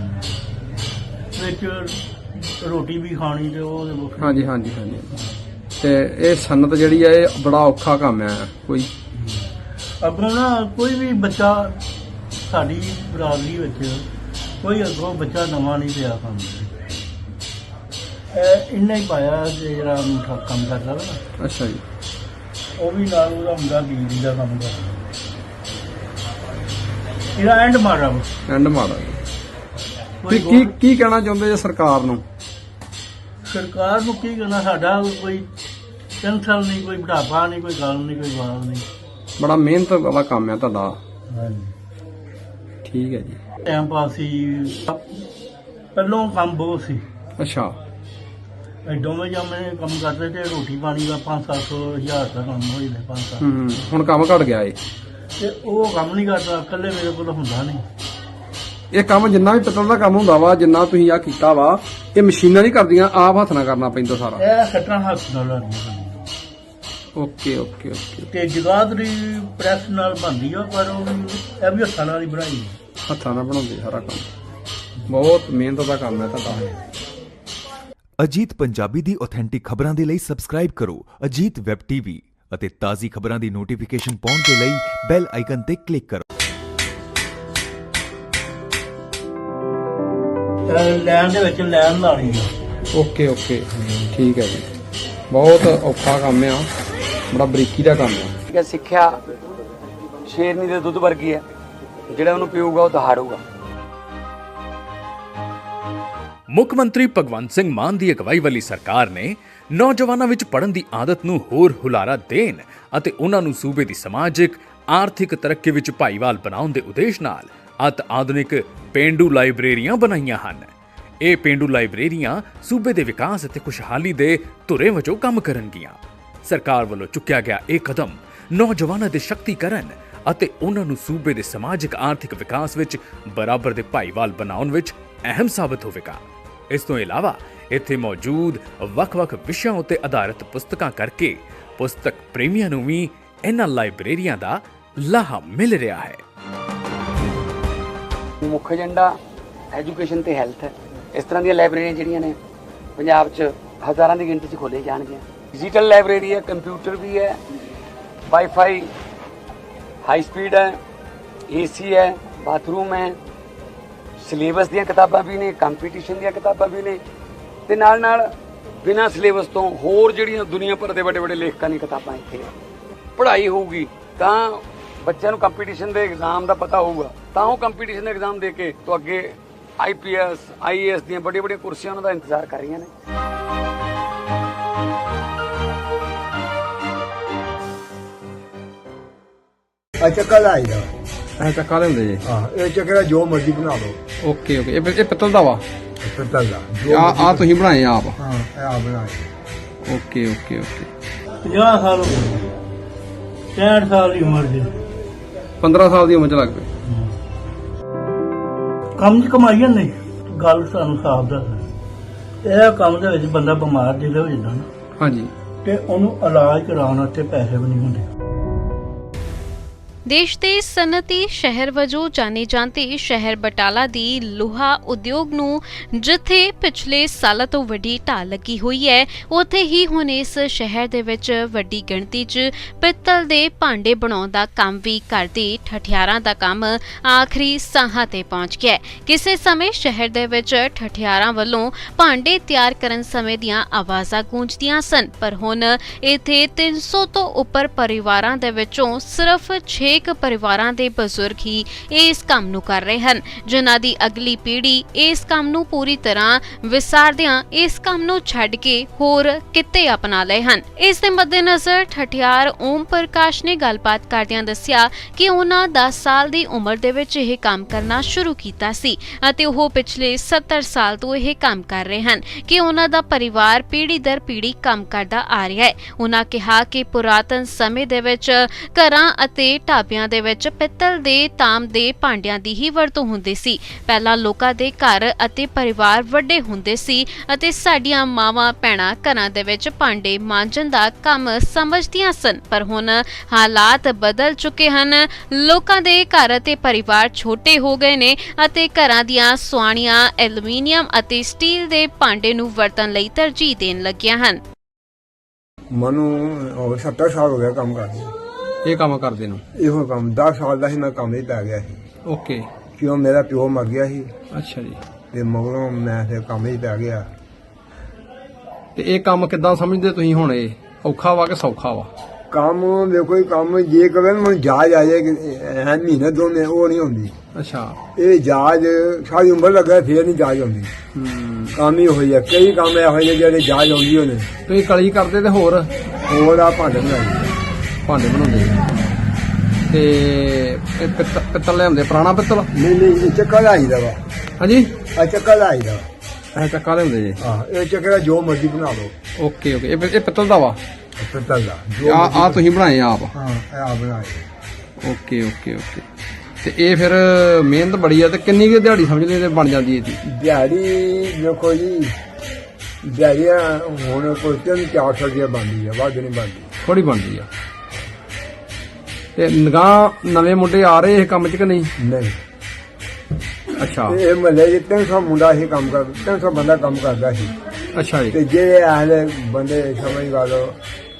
[SPEAKER 1] ਵਿੱਚ ਰੋਟੀ ਵੀ ਖਾਣੀ ਤੇ ਉਹ ਵੱਖਰੀ।
[SPEAKER 2] ਹਾਂਜੀ ਹਾਂਜੀ ਹਾਂਜੀ। ਤੇ ਇਹ ਸਨਅਤ ਜਿਹੜੀ ਆ ਇਹ ਬੜਾ ਔਖਾ ਕੰਮ ਆ ਕੋਈ?
[SPEAKER 1] ਅੱਗੋਂ ਨਾ ਕੋਈ ਵੀ ਬੱਚਾ ਸਾਡੀ ਬਰਾਦਰੀ ਵਿੱਚ ਕੋਈ ਅੱਗੋਂ ਬੱਚਾ ਨਵਾਂ ਨਹੀਂ ਪਿਆ ਕੰਮ ਇਹ ਇੰਨਾ ਹੀ ਪਾਇਆ ਕਿ ਜਿਹੜਾ ਮੁੰਡਾ ਕੰਮ ਕਰਦਾ ਵਾ ਨਾ।
[SPEAKER 2] ਅੱਛਾ ਜੀ।
[SPEAKER 1] ਉਹ ਵੀ ਨਾਲ ਉਹਦਾ ਮੁੰਡਾ ਬਿਜਲੀ ਦਾ ਕੰਮ ਕਰਦਾ। ਇਹਦਾ ਐਂਡ ਮਾਰਾ ਵਾ।
[SPEAKER 2] ਐਂਡ ਮਾਰਾ।
[SPEAKER 1] ਕੋਈ
[SPEAKER 2] ਕੀ ਕੀ ਕਹਿਣਾ ਚਾਹੁੰਦੇ ਜੇ ਸਰਕਾਰ ਨੂੰ?
[SPEAKER 1] ਸਰਕਾਰ ਨੂੰ ਕੀ ਕਹਿਣਾ, ਸਾਡਾ ਕੋਈ ਟੈਨਸ਼ਨ ਨਹੀਂ, ਕੋਈ ਬੁਢਾਪਾ ਨਹੀਂ, ਕੋਈ ਗੱਲ ਨਹੀਂ, ਕੋਈ ਬਾਤ ਨਹੀਂ।
[SPEAKER 2] ਬੜਾ ਮਿਹਨਤ ਵਾਲਾ ਕੰਮ ਆ ਤੁਹਾਡਾ।
[SPEAKER 1] ਹਾਂਜੀ
[SPEAKER 2] ਠੀਕ ਹੈ ਜੀ।
[SPEAKER 1] ਟਾਈਮ ਪਾਸ ਸੀ, ਪਹਿਲੋਂ ਕੰਮ ਬਹੁਤ ਸੀ।
[SPEAKER 2] ਅੱਛਾ।
[SPEAKER 1] ਇਹ ਦੋਵੇਂ ਜਾਮੇ ਕੰਮ ਕਰਦੇ ਤੇ ਰੋਟੀ ਪਾਣੀ ਦਾ ਪੰਜ ਸੱਤ ਸੌ ਹਜ਼ਾਰ ਦਾ ਕੰਮ ਹੋ ਜਾਂਦਾ। ਪੰਜ ਸੱਤ
[SPEAKER 2] ਹੂੰ ਹੁਣ ਕੰਮ ਘਟ ਗਿਆ ਏ
[SPEAKER 1] ਤੇ ਉਹ ਕੰਮ ਨਹੀਂ ਕਰਦਾ, ਇਕੱਲੇ ਮੇਰੇ ਕੋਲ ਹੁੰਦਾ ਨਹੀਂ।
[SPEAKER 2] ਇਹ ਕੰਮ ਜਿੰਨਾ ਵੀ ਪਿੱਤਲ ਦਾ ਕੰਮ ਹੁੰਦਾ ਵਾ, ਜਿੰਨਾ ਤੁਸੀਂ ਆ ਕੀਤਾ ਵਾ, ਇਹ ਮਸ਼ੀਨਾਂ ਨਹੀਂ ਕਰਦੀਆਂ, ਆਪ ਹੱਥ ਨਾਲ ਕਰਨਾ ਪੈਂਦਾ ਸਾਰਾ?
[SPEAKER 1] ਇਹ ਸੱਟਾਂ ਹੱਥ ਨਾਲ ਲਾਉਣੀਆਂ।
[SPEAKER 2] Okay okay okay.
[SPEAKER 1] ਤੇ ਜਗਾਦਰੀ ਪ੍ਰੈਸ ਨਾਲ ਬਣਦੀ ਆ, ਪਰ ਉਹ ਵੀ ਇਹ ਵੀ ਹੱਥਾਂ ਨਾਲ ਹੀ ਬਣਾਈ।
[SPEAKER 2] ਹੱਥਾਂ ਨਾਲ ਬਣਾਉਂਦੇ ਸਾਰਾ ਕੰਮ। ਬਹੁਤ ਮਿਹਨਤ ਦਾ ਕੰਮ ਹੈ ਤੁਹਾਡਾ।
[SPEAKER 7] ਅਜੀਤ ਪੰਜਾਬੀ ਦੀ ਆਥੈਂਟਿਕ ਖਬਰਾਂ ਦੇ ਲਈ ਸਬਸਕ੍ਰਾਈਬ ਕਰੋ ਅਜੀਤ ਵੈਬ ਟੀਵੀ ਅਤੇ ਤਾਜ਼ੀ ਖਬਰਾਂ ਦੀ ਨੋਟੀਫਿਕੇਸ਼ਨ ਪਾਉਣ ਦੇ ਲਈ ਬੈਲ ਆਈਕਨ ਤੇ ਕਲਿੱਕ ਕਰੋ।
[SPEAKER 1] ਲੈਣ ਦੇ ਵਿੱਚ ਲੈਣ ਲਾਣੀ ਆ।
[SPEAKER 2] ਓਕੇ ਓਕੇ ਠੀਕ ਹੈ ਜੀ। ਬਹੁਤ ਔਖਾ ਕੰਮ ਆ, ਬੜਾ ਬਰੀਕੀ ਦਾ ਕੰਮ ਆ।
[SPEAKER 3] ਠੀਕ ਹੈ, ਸਿੱਖਿਆ ਸ਼ੇਰਨੀ ਦੇ ਦੁੱਧ ਵਰਗੀ ਹੈ, ਜਿਹੜਾ ਉਹਨੂੰ ਪੀਊਗਾ ਉਹ ਦਹਾੜੂਗਾ।
[SPEAKER 4] ਮੁੱਖ ਮੰਤਰੀ ਭਗਵੰਤ ਸਿੰਘ ਮਾਨ ਦੀ ਅਗਵਾਈ ਵਾਲੀ ਸਰਕਾਰ ਨੇ ਨੌਜਵਾਨਾਂ ਵਿੱਚ ਪੜ੍ਹਨ ਦੀ ਆਦਤ ਨੂੰ ਹੋਰ ਹੁਲਾਰਾ ਦੇਣ ਅਤੇ ਉਹਨਾਂ ਨੂੰ ਸੂਬੇ ਦੀ ਸਮਾਜਿਕ, ਆਰਥਿਕ ਤਰੱਕੀ ਵਿੱਚ ਭਾਈਵਾਲ ਬਣਾਉਣ ਦੇ ਉਦੇਸ਼ ਨਾਲ ਅਤ ਆਧੁਨਿਕ ਪੇਂਡੂ ਲਾਇਬ੍ਰੇਰੀਆਂ ਬਣਾਈਆਂ ਹਨ। ਇਹ ਪੇਂਡੂ ਲਾਇਬ੍ਰੇਰੀਆਂ ਸੂਬੇ ਦੇ ਵਿਕਾਸ ਅਤੇ ਖੁਸ਼ਹਾਲੀ ਦੇ ਧੁਰੇ ਵਜੋਂ ਕੰਮ ਕਰਨਗੀਆਂ। ਸਰਕਾਰ ਵੱਲੋਂ ਚੁੱਕਿਆ ਗਿਆ ਇਹ ਕਦਮ ਨੌਜਵਾਨਾਂ ਦੇ ਸ਼ਕਤੀਕਰਨ ਅਤੇ ਉਹਨਾਂ ਨੂੰ ਸੂਬੇ ਦੇ ਸਮਾਜਿਕ ਆਰਥਿਕ ਵਿਕਾਸ ਵਿੱਚ ਬਰਾਬਰ ਦੇ ਭਾਈਵਾਲ ਬਣਾਉਣ ਵਿੱਚ ਅਹਿਮ ਸਾਬਤ ਹੋਵੇਗਾ। ਇਸ ਤੋਂ ਇਲਾਵਾ ਇੱਥੇ ਮੌਜੂਦ ਵੱਖ-ਵੱਖ ਵਿਸ਼ਿਆਂ ਉੱਤੇ ਆਧਾਰਿਤ ਪੁਸਤਕਾਂ ਕਰਕੇ ਪੁਸਤਕ ਪ੍ਰੇਮੀਆਂ ਨੂੰ ਵੀ ਇਹਨਾਂ ਲਾਇਬ੍ਰੇਰੀਆਂ ਦਾ ਲਾਹਾ ਮਿਲ ਰਿਹਾ ਹੈ।
[SPEAKER 3] ਮੁੱਖ ਏਜੰਡਾ ਐਜੂਕੇਸ਼ਨ ਤੇ ਹੈਲਥ ਹੈ। ਇਸ ਤਰ੍ਹਾਂ ਦੀਆਂ ਲਾਇਬ੍ਰੇਰੀਆਂ ਜਿਹੜੀਆਂ ਨੇ ਪੰਜਾਬ 'ਚ ਹਜ਼ਾਰਾਂ ਦੀ ਗਿਣਤੀ 'ਚ ਖੋਲ੍ਹੀਆਂ ਜਾਣਗੀਆਂ। ਡਿਜੀਟਲ ਲਾਇਬ੍ਰੇਰੀ ਹੈ, ਕੰਪਿਊਟਰ ਵੀ ਹੈ, ਵਾਈਫਾਈ ਹਾਈ ਸਪੀਡ ਹੈ, ਏਸੀ ਹੈ, ਬਾਥਰੂਮ ਹੈ, ਸਿਲੇਬਸ ਦੀਆਂ ਕਿਤਾਬਾਂ ਵੀ ਨੇ, ਕੰਪੀਟੀਸ਼ਨ ਦੀਆਂ ਕਿਤਾਬਾਂ ਵੀ ਨੇ ਤੇ ਨਾਲ ਨਾਲ ਬਿਨਾਂ ਸਿਲੇਬਸ ਤੋਂ ਹੋਰ ਜਿਹੜੀਆਂ ਦੁਨੀਆ ਭਰ ਦੇ ਵੱਡੇ ਵੱਡੇ ਲੇਖਕਾਂ ਦੀਆਂ ਕਿਤਾਬਾਂ ਇੱਥੇ ਆ। ਪੜ੍ਹਾਈ ਹੋਊਗੀ ਤਾਂ ਬੱਚਿਆਂ ਨੂੰ ਕੰਪੀਟੀਸ਼ਨ ਦੇ ਐਗਜ਼ਾਮ ਦਾ ਪਤਾ ਹੋਊਗਾ, ਤਾਂ ਉਹ ਕੰਪੀਟੀਸ਼ਨ ਦੇ ਐਗਜ਼ਾਮ ਦੇ ਕੇ ਤੋਂ ਅੱਗੇ ਆਈ P S I A S ਦੀਆਂ ਵੱਡੀਆਂ ਵੱਡੀਆਂ ਕੁਰਸੀਆਂ ਉਹਨਾਂ ਦਾ ਇੰਤਜ਼ਾਰ ਕਰ ਰਹੀਆਂ ਨੇ।
[SPEAKER 5] ਆ ਚੱਕਾ ਲਾਈਦਾ
[SPEAKER 2] ਐ ਚੱਕਾ ਲਿਆਉਂਦੇ ਜੀ।
[SPEAKER 5] ਹਾਂ, ਇਹ ਚੱਕਰਾ ਜੋ ਮਰਜ਼ੀ ਬਣਾ ਲਓ।
[SPEAKER 2] ਓਕੇ ਓਕੇ ਇਹ ਇਹ ਪਿੱਤਲ ਦਾ ਵਾ।
[SPEAKER 5] ਪਿੱਤਲ ਦਾ
[SPEAKER 2] ਆ ਆ ਤੁਸੀਂ ਬਣਾਏ ਆਪ?
[SPEAKER 5] ਹਾਂ, ਇਹ ਆ ਬਣਾਏ।
[SPEAKER 2] ਓਕੇ ਓਕੇ ਓਕੇ
[SPEAKER 1] ਪੰਜਾਹ ਸਾਲ ਹੋ ਗਏ, ਪੈਂਹਠ ਸਾਲ ਦੀ ਉਮਰ ਦੇ
[SPEAKER 2] ਪੰਦਰਾਂ ਸਾਲ ਦੀ ਉਮਰ ਚ ਲੱਗ ਪਏ।
[SPEAKER 1] ਕੰਮ 'ਚ ਕਮਾਈ ਨਹੀਂ, ਗੱਲ ਸਾਨੂੰ ਸਾਫ਼ ਦੱਸ। ਇਹ ਕੰਮ ਦੇ ਵਿੱਚ ਬੰਦਾ ਬਿਮਾਰ ਜਿਹੜਾ ਹੋ ਜਾਂਦਾ ਨਾ,
[SPEAKER 2] ਹਾਂਜੀ,
[SPEAKER 1] ਤੇ ਉਹਨੂੰ ਇਲਾਜ ਕਰਾਉਣ ਵਾਸਤੇ ਪੈਸੇ ਵੀ ਨਹੀਂ ਹੁੰਦੇ।
[SPEAKER 6] ਦੇਸ਼ ਦੇ ਸਨਅਤੀ ਸ਼ਹਿਰ ਵਜੋਂ ਜਾਣੇ ਜਾਂਦੇ ਸ਼ਹਿਰ ਬਟਾਲਾ ਦੀ ਲੋਹਾ ਉਦਯੋਗ ਨੂੰ ਜਿੱਥੇ ਪਿਛਲੇ ਸਾਲਾਂ ਤੋਂ ਵੱਡੀ ਢਾਲ ਲੱਗੀ ਹੋਈ ਹੈ, ਉੱਥੇ ਹੀ ਹੁਣ ਇਸ ਸ਼ਹਿਰ ਦੇ ਵਿੱਚ ਵੱਡੀ ਗਿਣਤੀ 'ਚ ਪਿੱਤਲ ਦੇ ਭਾਂਡੇ ਬਣਾਉਣ ਦਾ ਕੰਮ ਵੀ ਕਰਦੇ ਠਠਿਆਰਾਂ ਦਾ ਕੰਮ ਆਖਰੀ ਸਾਹਾਂ ਤੇ ਪਹੁੰਚ ਗਿਆ ਹੈ। ਕਿਸੇ ਸਮੇਂ ਸ਼ਹਿਰ ਦੇ ਵਿੱਚ ਠਠਿਆਰਾਂ ਵੱਲੋਂ ਭਾਂਡੇ ਤਿਆਰ ਕਰਨ ਸਮੇਂ ਦੀਆਂ ਆਵਾਜ਼ਾਂ ਗੂੰਜਦੀਆਂ ਸਨ, ਪਰ ਹੁਣ ਇੱਥੇ ਤਿੰਨ ਸੌ ਤੋਂ ਉੱਪਰ ਪਰਿਵਾਰਾਂ ਦੇ ਵਿੱਚੋਂ ਸਿਰਫ ਛੇ ਕੁ ਪਰਿਵਾਰਾਂ ਦੇ ਬਜ਼ੁਰਗ ਹੀ ਇਸ ਕੰਮ ਨੂੰ ਕਰ ਰਹੇ ਹਨ, ਜਿਨ੍ਹਾਂ ਦੀ ਅਗਲੀ ਪੀੜ੍ਹੀ ਇਸ ਕੰਮ ਨੂੰ ਪੂਰੀ ਤਰ੍ਹਾਂ ਵਿਸਾਰਦਿਆਂ ਇਸ ਕੰਮ ਨੂੰ ਛੱਡ ਕੇ ਹੋਰ ਕਿੱਤੇ ਅਪਣਾ ਲਏ ਹਨ। ਇਸ ਦੇ ਮੱਦੇਨਜ਼ਰ ਠਠਿਆਰ ਓਮ ਪ੍ਰਕਾਸ਼ ਨੇ ਗੱਲਬਾਤ ਕਰਦਿਆਂ ਦੱਸਿਆ ਕਿ ਉਹਨਾਂ ਦਸ ਸਾਲ ਦੀ ਉਮਰ ਦੇ ਵਿੱਚ ਇਹ ਕੰਮ ਕਰਨਾ ਸ਼ੁਰੂ ਕੀਤਾ ਸੀ ਅਤੇ ਉਹ ਪਿਛਲੇ ਸੱਤਰ ਸਾਲ ਤੋਂ ਇਹ ਕੰਮ ਕਰ ਰਹੇ ਹਨ ਕਿ ਉਹਨਾਂ ਦਾ ਪਰਿਵਾਰ ਪੀੜ੍ਹੀ ਦਰ ਪੀੜ੍ਹੀ ਕੰਮ ਕਰਦਾ ਆ ਰਿਹਾ ਹੈ। ਉਹਨਾਂ ਕਿਹਾ ਕਿ ਪੁਰਾਤਨ ਸਮੇਂ ਦੇ ਵਿੱਚ ਘਰਾਂ ਅਤੇ ਢਾਬਿਆਂ ਦੇ ਵਿੱਚ ਪਿੱਤਲ ਦੇ ਤਾਂਬ ਦੇ ਭਾਂਡਿਆਂ ਦੀ ਹੀ ਵਰਤੋਂ ਹੁੰਦੀ ਸੀ। ਪਹਿਲਾਂ ਲੋਕਾਂ ਦੇ ਘਰ ਅਤੇ ਪਰਿਵਾਰ ਵੱਡੇ ਹੁੰਦੇ ਸੀ ਅਤੇ ਸਾਡੀਆਂ ਮਾਵਾਂ ਭੈਣਾਂ ਘਰਾਂ ਦੇ ਵਿੱਚ ਭਾਂਡੇ ਮਾਂਜਣ ਦਾ ਕੰਮ ਸਮਝਦੀਆਂ ਸਨ, ਪਰ ਹੁਣ ਹਾਲਾਤ ਬਦਲ ਚੁੱਕੇ ਹਨ। ਲੋਕਾਂ ਦੇ ਘਰ ਅਤੇ ਪਰਿਵਾਰ ਛੋਟੇ ਹੋ ਗਏ ਨੇ ਅਤੇ ਘਰਾਂ ਦੀਆਂ ਸੁਆਣੀਆਂ ਐਲੂਮੀਨੀਅਮ ਅਤੇ ਸਟੀਲ ਦੇ ਭਾਂਡੇ ਨੂੰ ਵਰਤਣ ਲਈ ਤਰਜੀਹ ਦੇਣ ਲੱਗੀਆਂ ਹਨ।
[SPEAKER 5] ਮਨੂੰ ਹੋਰ ਸੱਤਰ ਸਾਲ ਹੋ ਗਿਆ ਕੰਮ ਕਰਦੇ।
[SPEAKER 2] ਇਹ ਕੰਮ ਕਰਦੇ ਨੂੰ?
[SPEAKER 5] ਇਹੋ ਕੰਮ ਦਸ ਸਾਲ ਦਾ ਸੀ, ਮੈਂ ਕੰਮ ਹੀ ਪੈ ਗਿਆ ਸੀ।
[SPEAKER 2] ਓਕੇ।
[SPEAKER 5] ਕਿਉਂ ਮੇਰਾ ਪਿਓ ਮਰ ਗਿਆ ਸੀ
[SPEAKER 2] ਅੱਛਾ ਜੀ।
[SPEAKER 5] ਤੇ ਮਗਰੋਂ ਮੈਂ ਫਿਰ ਕੰਮ ਹੀ ਪੈ ਗਿਆ।
[SPEAKER 2] ਤੇ ਇਹ ਕੰਮ ਕਿੱਦਾਂ ਸਮਝਦੇ ਤੁਸੀਂ ਹੁਣ? ਇਹ ਔਖਾ ਵਾ ਕਿ ਸੌਖਾ ਵਾ?
[SPEAKER 5] ਕੰਮ ਦੇਖੋ ਹੀ ਕੰਮ ਜੇ ਕਵੇ ਮੈਨੂੰ ਜਾਜ ਆ ਜਾਏ ਐ ਮਹੀਨੇ ਦੋ ਮਹੀਨੇ ਉਹ ਨਹੀਂ ਹੁੰਦੀ।
[SPEAKER 2] ਅੱਛਾ।
[SPEAKER 5] ਇਹ ਜਾਜ ਸਾਰੀ ਉਮਰ ਲੱਗਾ ਫੇਰ ਨਹੀਂ ਜਾਜ ਆਉਂਦੀ।
[SPEAKER 2] ਹੂੰ। ਕੰਮ
[SPEAKER 5] ਹੀ ਹੋਈ ਆ, ਕਈ ਕੰਮ ਇਹੋ ਜਿਹੇ ਜਿਹੜੇ ਜਾਜ ਆਉਂਦੀ ਹੋਣੇ।
[SPEAKER 2] ਤੁਸੀਂ ਕਲੀ ਕਰਦੇ ਤੇ ਹੋਰ
[SPEAKER 5] ਹੋਰ ਆ ਭਾਂਡੇ ਬਣਾਉਂਦੇ
[SPEAKER 2] ਭਾਂਡੇ ਬਣਾਉਂਦੇ ਤੇ ਇਹ ਪਿੱਤਲ ਪਿੱਤਲ ਲਿਆਉਂਦੇ? ਪੁਰਾਣਾ ਪਿੱਤਲ?
[SPEAKER 5] ਨਹੀਂ ਨਹੀਂ, ਇਹ ਚੱਕਾ ਲਾਈਦਾ ਵਾ।
[SPEAKER 2] ਹਾਂਜੀ,
[SPEAKER 5] ਆ ਚੱਕਾ ਲਾਈਦਾ
[SPEAKER 2] ਐ ਚੱਕਾ ਲਿਆਉਂਦੇ ਜੀ?
[SPEAKER 5] ਹਾਂ, ਇਹ ਚੱਕਰਾ ਜੋ ਮਰਜ਼ੀ ਬਣਾ ਲਓ।
[SPEAKER 2] ਓਕੇ ਓਕੇ ਇਹ ਇਹ ਪਿੱਤਲ ਦਾ ਵਾ?
[SPEAKER 5] ਪਿੱਤਲ ਦਾ
[SPEAKER 2] ਆ ਆ ਤੁਸੀਂ ਬਣਾਏ ਆਪ?
[SPEAKER 5] ਹਾਂ, ਇਹ ਆ ਬਣਾਏ।
[SPEAKER 2] ਓਕੇ ਓਕੇ ਓਕੇ ਤੇ ਇਹ ਫਿਰ ਮਿਹਨਤ ਬੜੀ ਆ। ਤੇ ਕਿੰਨੀ ਕੁ ਦਿਹਾੜੀ ਸਮਝਦੇ ਤੇ ਬਣ ਜਾਂਦੀ ਇਹਦੀ?
[SPEAKER 5] ਦਿਹਾੜੀ ਦੇਖੋ ਜੀ, ਦਿਹਾੜੀਆਂ ਹੁਣ ਕੋਈ ਤਿੰਨ ਚਾਰ ਸੌ ਰੁਪਇਆ ਬਣਦੀ ਆ, ਵੱਧ ਨਹੀਂ ਬਣਦੀ।
[SPEAKER 2] ਥੋੜੀ ਬਣਦੀ ਆ। ਤੇ ਨਿਗਾਹ ਨਵੇਂ ਮੁੰਡੇ ਆ ਰਹੇ ਇਹ ਕੰਮ 'ਚ ਕਿ ਨਹੀਂ?
[SPEAKER 5] ਨਹੀਂ।
[SPEAKER 2] ਅੱਛਾ।
[SPEAKER 5] ਇਹ ਮਹੱਲੇ 'ਚ ਤਿੰਨ ਸੌ ਮੁੰਡਾ ਇਹ ਕੰਮ ਕਰ ਤਿੰਨ ਸੌ ਬੰਦਾ ਕੰਮ ਕਰਦਾ ਸੀ।
[SPEAKER 2] ਅੱਛਾ ਜੀ।
[SPEAKER 5] ਤੇ ਜਿਹੜੇ ਆਹਲੇ ਬੰਦੇ ਸਮਝ ਗਾ ਲਓ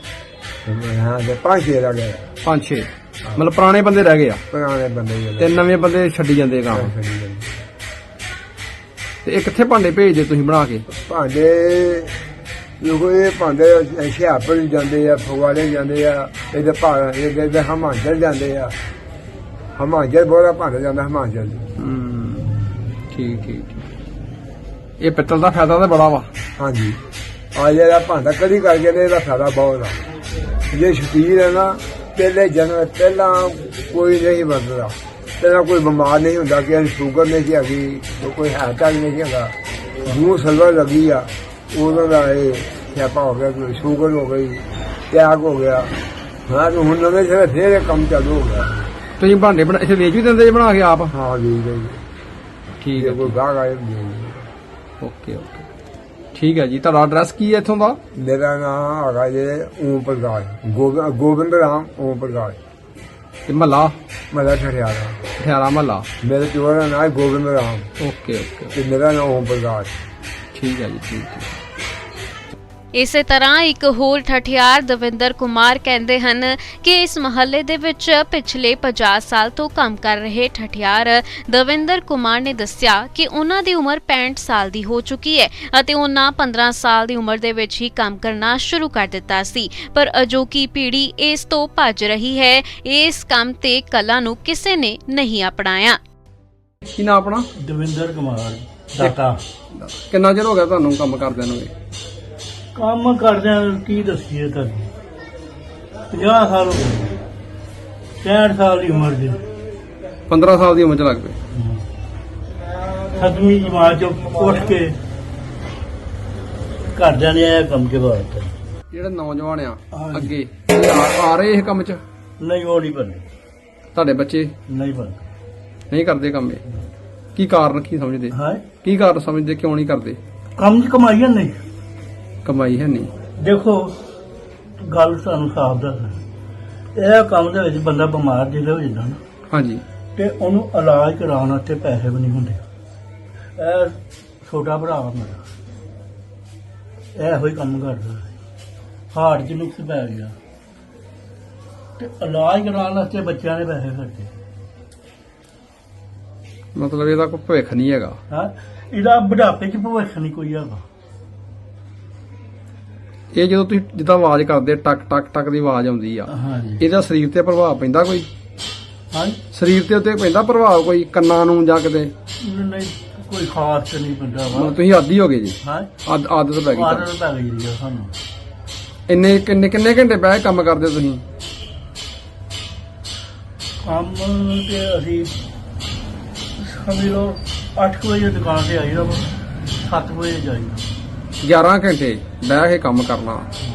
[SPEAKER 5] ਹਾਂ ਤੇ ਪੰਜ ਛੇ ਰਹਿ ਗਏ।
[SPEAKER 2] ਪੰਜ ਛੇ ਮਤਲਬ ਪੁਰਾਣੇ ਬੰਦੇ ਰਹਿ ਗਏ ਆ?
[SPEAKER 5] ਪੁਰਾਣੇ ਬੰਦੇ ਜਿਹੜੇ
[SPEAKER 2] ਤੇ ਨਵੇਂ ਬੰਦੇ ਛੱਡੀ ਜਾਂਦੇ ਕੰਮ। ਤੇ ਇਹ ਕਿੱਥੇ ਭਾਂਡੇ ਭੇਜਦੇ ਤੁਸੀਂ ਬਣਾ ਕੇ?
[SPEAKER 5] ਭਾਂਡੇ ਲੋਕੋ ਇਹ ਭਾਂਡੇ ਹੁਸ਼ਿਆਰਪੁਰ ਜਾਂਦੇ ਆ, ਫਗਵਾੜੇ ਜਾਂਦੇ ਆ, ਇਹਦੇ ਭਾਂ ਇਹਦੇ ਹਿਮਾਚਲ ਜਾਂਦੇ ਆ। ਹਿਮਾਚਲ ਬੋਲਾ ਭਾਂਡੇ ਜਾਂਦਾ ਹਿਮਾਚਲ।
[SPEAKER 2] ਹੂੰ, ਠੀਕ ਠੀਕ ਠੀਕ। ਇਹ ਪਿੱਤਲ ਦਾ ਫਾਇਦਾ ਤਾਂ ਬੜਾ ਵਾ। ਹਾਂਜੀ। ਆ ਜਿਹੜਾ ਭਾਂਡਾ ਕਦੀ ਕਰਕੇ ਨੇ ਇਹਦਾ ਫਾਇਦਾ ਬਹੁਤ ਆ। ਜੇ ਸ਼ਕੀਰ ਹੈ ਨਾ
[SPEAKER 5] ਪਹਿਲੇ ਜਨਮ ਪਹਿਲਾਂ ਕੋਈ ਨਹੀਂ ਵਰਤਦਾ, ਪਹਿਲਾਂ ਕੋਈ ਬਿਮਾਰ ਨਹੀਂ ਹੁੰਦਾ ਕਿ ਸ਼ੂਗਰ ਨਹੀਂ ਸੀ ਹੈਗੀ, ਕੋਈ ਹਾਰਟ ਅਟੈਕ ਨਹੀਂ ਸੀ ਹੈਗਾ। ਜੂੰ ਸਲਵਾ ਲੱਗੀ ਆ ਉਦੋਂ ਦਾ ਇਹ ਸਿਆਪਾ ਹੋ ਗਿਆ, ਕੋਈ ਸ਼ੂਗਰ ਹੋ ਗਈ, ਟੈਕ ਹੋ ਗਿਆ। ਹਾਂ ਹੁਣ ਨਵੇਂ ਸਿਰੇ ਫੇਰ ਇਹ ਕੰਮ ਚਾਲੂ ਹੋ ਗਿਆ।
[SPEAKER 2] ਤੁਸੀਂ ਭਾਂਡੇ ਬਣਾ ਇੱਥੇ ਵੇਚ ਵੀ ਦਿੰਦੇ ਜੇ ਬਣਾ ਕੇ ਆਪ?
[SPEAKER 5] ਹਾਂ ਜੀ ਜੀ
[SPEAKER 2] ਠੀਕ ਹੈ,
[SPEAKER 5] ਕੋਈ ਗਾਹਕ ਆਏ।
[SPEAKER 2] ਓਕੇ ਓਕੇ ਠੀਕ ਹੈ ਜੀ। ਤੁਹਾਡਾ ਐਡਰੈਸ ਕੀ ਹੈ ਇੱਥੋਂ ਦਾ?
[SPEAKER 5] ਮੇਰਾ ਨਾਮ ਹੈਗਾ ਜੀ ਓਮ ਪ੍ਰਕਾਸ਼, ਗੋਬਿੰਦ ਗੋਬਿੰਦ ਰਾਮ ਓਮ ਪ੍ਰਕਾਸ਼,
[SPEAKER 2] ਤੇ ਮਹੱਲਾ?
[SPEAKER 5] ਮੇਰਾ ਠਠਿਆਰਾ।
[SPEAKER 2] ਠਿਆਰਾ ਮਹੱਲਾ।
[SPEAKER 5] ਮੇਰੇ ਪਿਓ ਦਾ ਨਾਮ ਹੈ ਗੋਬਿੰਦ ਰਾਮ
[SPEAKER 2] ਓਕੇ ਓਕੇ
[SPEAKER 5] ਤੇ ਮੇਰਾ ਨਾਮ ਓਮ ਪ੍ਰਕਾਸ਼।
[SPEAKER 2] ਠੀਕ ਹੈ ਜੀ, ਠੀਕ ਹੈ।
[SPEAKER 6] ਇਸੇ ਤਰ੍ਹਾਂ ਇੱਕ ਹੋਰ ਠਠਿਆਰ ਦਵਿੰਦਰ ਕੁਮਾਰ ਕਹਿੰਦੇ ਹਨ ਕਿ ਇਸ ਮਹੱਲੇ ਦੇ ਵਿੱਚ ਪਿਛਲੇ ਪੰਜਾਹ ਸਾਲ ਤੋਂ ਕੰਮ ਕਰ ਰਹੇ ਠਠਿਆਰ ਦਵਿੰਦਰ ਕੁਮਾਰ ਨੇ ਦੱਸਿਆ ਕਿ ਉਹਨਾਂ ਦੀ ਉਮਰ ਪੈਂਹਠ ਸਾਲ ਦੀ ਹੋ ਚੁੱਕੀ ਹੈ ਅਤੇ ਉਹਨਾਂ ਪੰਦਰਾਂ ਸਾਲ ਦੀ ਉਮਰ ਦੇ ਵਿੱਚ ਹੀ ਕੰਮ ਕਰਨਾ ਸ਼ੁਰੂ ਕਰ ਦਿੱਤਾ ਸੀ, ਪਰ ਅਜੋਕੀ ਪੀੜ੍ਹੀ ਇਸ ਤੋਂ ਭੱਜ ਰਹੀ ਹੈ। ਇਸ ਕੰਮ ਤੇ ਕਲਾ ਨੂੰ ਕਿਸੇ ਨੇ ਨਹੀਂ ਅਪਣਾਇਆ।
[SPEAKER 2] ਕੀ ਨਾਮ ਆਪਣਾ?
[SPEAKER 1] ਦਵਿੰਦਰ ਕੁਮਾਰ ਦਾਤਾ।
[SPEAKER 2] ਕਿੰਨਾ ਚਿਰ ਹੋ ਗਿਆ ਤੁਹਾਨੂੰ ਕੰਮ ਕਰਦਿਆਂ ਨੂੰ?
[SPEAKER 1] ਕੰਮ ਕਰਦਿਆਂ ਕੀ ਦੱਸੀਏ ਤੁਹਾਨੂੰ, ਪੰਜਾਹ ਸਾਲ ਹੋ ਗਏ, ਪੈਂਹਠ ਸਾਲ ਦੀ ਉਮਰ ਦੇ।
[SPEAKER 2] ਪੰਦਰਾਂ ਸਾਲ ਦੀ ਉਮਰ ਚ ਲੱਗ ਪਏ।
[SPEAKER 1] ਸੱਤਵੀਂ ਜਮਾਤ ਚੋਂ ਉੱਠ ਕੇ ਘਰਦਿਆਂ ਨੇ ਇਹ ਕੰਮ ਕੇ ਬਾਤ।
[SPEAKER 2] ਜਿਹੜੇ ਨੌਜਵਾਨ ਆ
[SPEAKER 1] ਹਾਂਜੀ।
[SPEAKER 2] ਅੱਗੇ ਆ- ਆ ਰਹੇ ਇਹ ਕੰਮ ਚ?
[SPEAKER 1] ਨਹੀਂ ਉਹ ਨਹੀਂ ਬਣਦੇ,
[SPEAKER 2] ਤੁਹਾਡੇ ਬੱਚੇ
[SPEAKER 1] ਨਹੀਂ ਬਣਦੇ।
[SPEAKER 2] ਨਹੀਂ ਕਰਦੇ ਕੰਮ ਇਹ? ਕੀ ਕਾਰਨ ਕੀ ਸਮਝਦੇ?
[SPEAKER 1] ਹਾਂ
[SPEAKER 2] ਕੀ ਕਾਰਨ ਸਮਝਦੇ ਕਿਉਂ ਨਹੀਂ ਕਰਦੇ?
[SPEAKER 1] ਕੰਮ 'ਚ ਕਮਾਈ ਨਹੀਂ।
[SPEAKER 2] ਕਮਾਈ ਹੈ ਨਹੀਂ।
[SPEAKER 1] ਦੇਖੋ ਗੱਲ ਸਾਨੂੰ ਸਾਫ਼ ਦੱਸ, ਇਹ ਕੰਮ ਦੇ ਵਿੱਚ ਬੰਦਾ ਬਿਮਾਰ ਜਿਹੜਾ ਹੋ ਜਾਂਦਾ ਨਾ,
[SPEAKER 2] ਹਾਂਜੀ,
[SPEAKER 1] ਤੇ ਉਹਨੂੰ ਇਲਾਜ ਕਰਾਉਣ ਵਾਸਤੇ ਪੈਸੇ ਵੀ ਨਹੀਂ ਹੁੰਦੇ। ਇਹ ਛੋਟਾ ਭਰਾ ਮੇਰਾ ਇਹੋ ਹੀ ਕੰਮ ਕਰਦਾ, ਹਾਰਟ 'ਚ ਨੁਕਸ ਪੈ ਗਿਆ ਤੇ ਇਲਾਜ ਕਰਾਉਣ ਵਾਸਤੇ ਬੱਚਿਆਂ ਨੇ ਪੈਸੇ ਖਰਚੇ।
[SPEAKER 2] ਮਤਲਬ ਇਹਦਾ ਕੋਈ ਭਵਿੱਖ ਨਹੀਂ ਹੈਗਾ।
[SPEAKER 1] ਹਾਂ ਇਹਦਾ ਬੁਢਾਪੇ 'ਚ ਭਵਿੱਖ ਨਹੀਂ ਕੋਈ ਹੈਗਾ।
[SPEAKER 2] ਇਹ ਜਦੋਂ ਤੁਸੀਂ ਜਿੱਦਾਂ ਆਵਾਜ਼ ਕਰਦੇ ਟਕ ਟਕ ਟਕ ਦੀ ਆਵਾਜ਼ ਆਉਂਦੀ ਆ,
[SPEAKER 1] ਹਾਂਜੀ
[SPEAKER 2] ਇਹਦਾ ਸਰੀਰ ਤੇ ਪ੍ਰਭਾਵ ਪੈਂਦਾ ਕੋਈ?
[SPEAKER 1] ਹਾਂਜੀ
[SPEAKER 2] ਸਰੀਰ ਤੇ ਉੱਤੇ ਪੈਂਦਾ ਪ੍ਰਭਾਵ ਕੋਈ, ਕੰਨਾਂ ਨੂੰ ਜਾਂ ਕਿਤੇ?
[SPEAKER 1] ਨਹੀਂ ਕੋਈ ਖਾਸ ਤੇ ਨਹੀਂ ਪੈਂਦਾ ਵਾ।
[SPEAKER 2] ਮਤਲਬ ਤੁਸੀਂ ਆਦੀ ਹੋ ਗਏ ਜੀ?
[SPEAKER 1] ਹਾਂ
[SPEAKER 2] ਆਦ- ਆਦਤ ਪੈ ਗਈ ਤੁਹਾਨੂੰ।
[SPEAKER 1] ਆਦਤ ਪੈ ਗਈ ਜੀ ਸਾਨੂੰ।
[SPEAKER 2] ਇੰਨੇ ਕਿੰਨੇ ਕਿੰਨੇ ਘੰਟੇ ਬਹਿ ਕੇ ਕੰਮ ਕਰਦੇ ਤੁਸੀਂ?
[SPEAKER 1] ਕੰਮ ਤੇ ਅਸੀਂ ਸਮਝ ਲਓ ਅੱਠ ਕੁ ਵਜੇ ਦੁਕਾਨ ਤੇ ਆਈਦਾ ਵਾ, ਸੱਤ ਵਜੇ ਜਾਈਦਾ।
[SPEAKER 2] ਗਿਆਰਾਂ ਘੰਟੇ ਬਹਿ ਕੇ ਕੰਮ ਕਰਨਾ।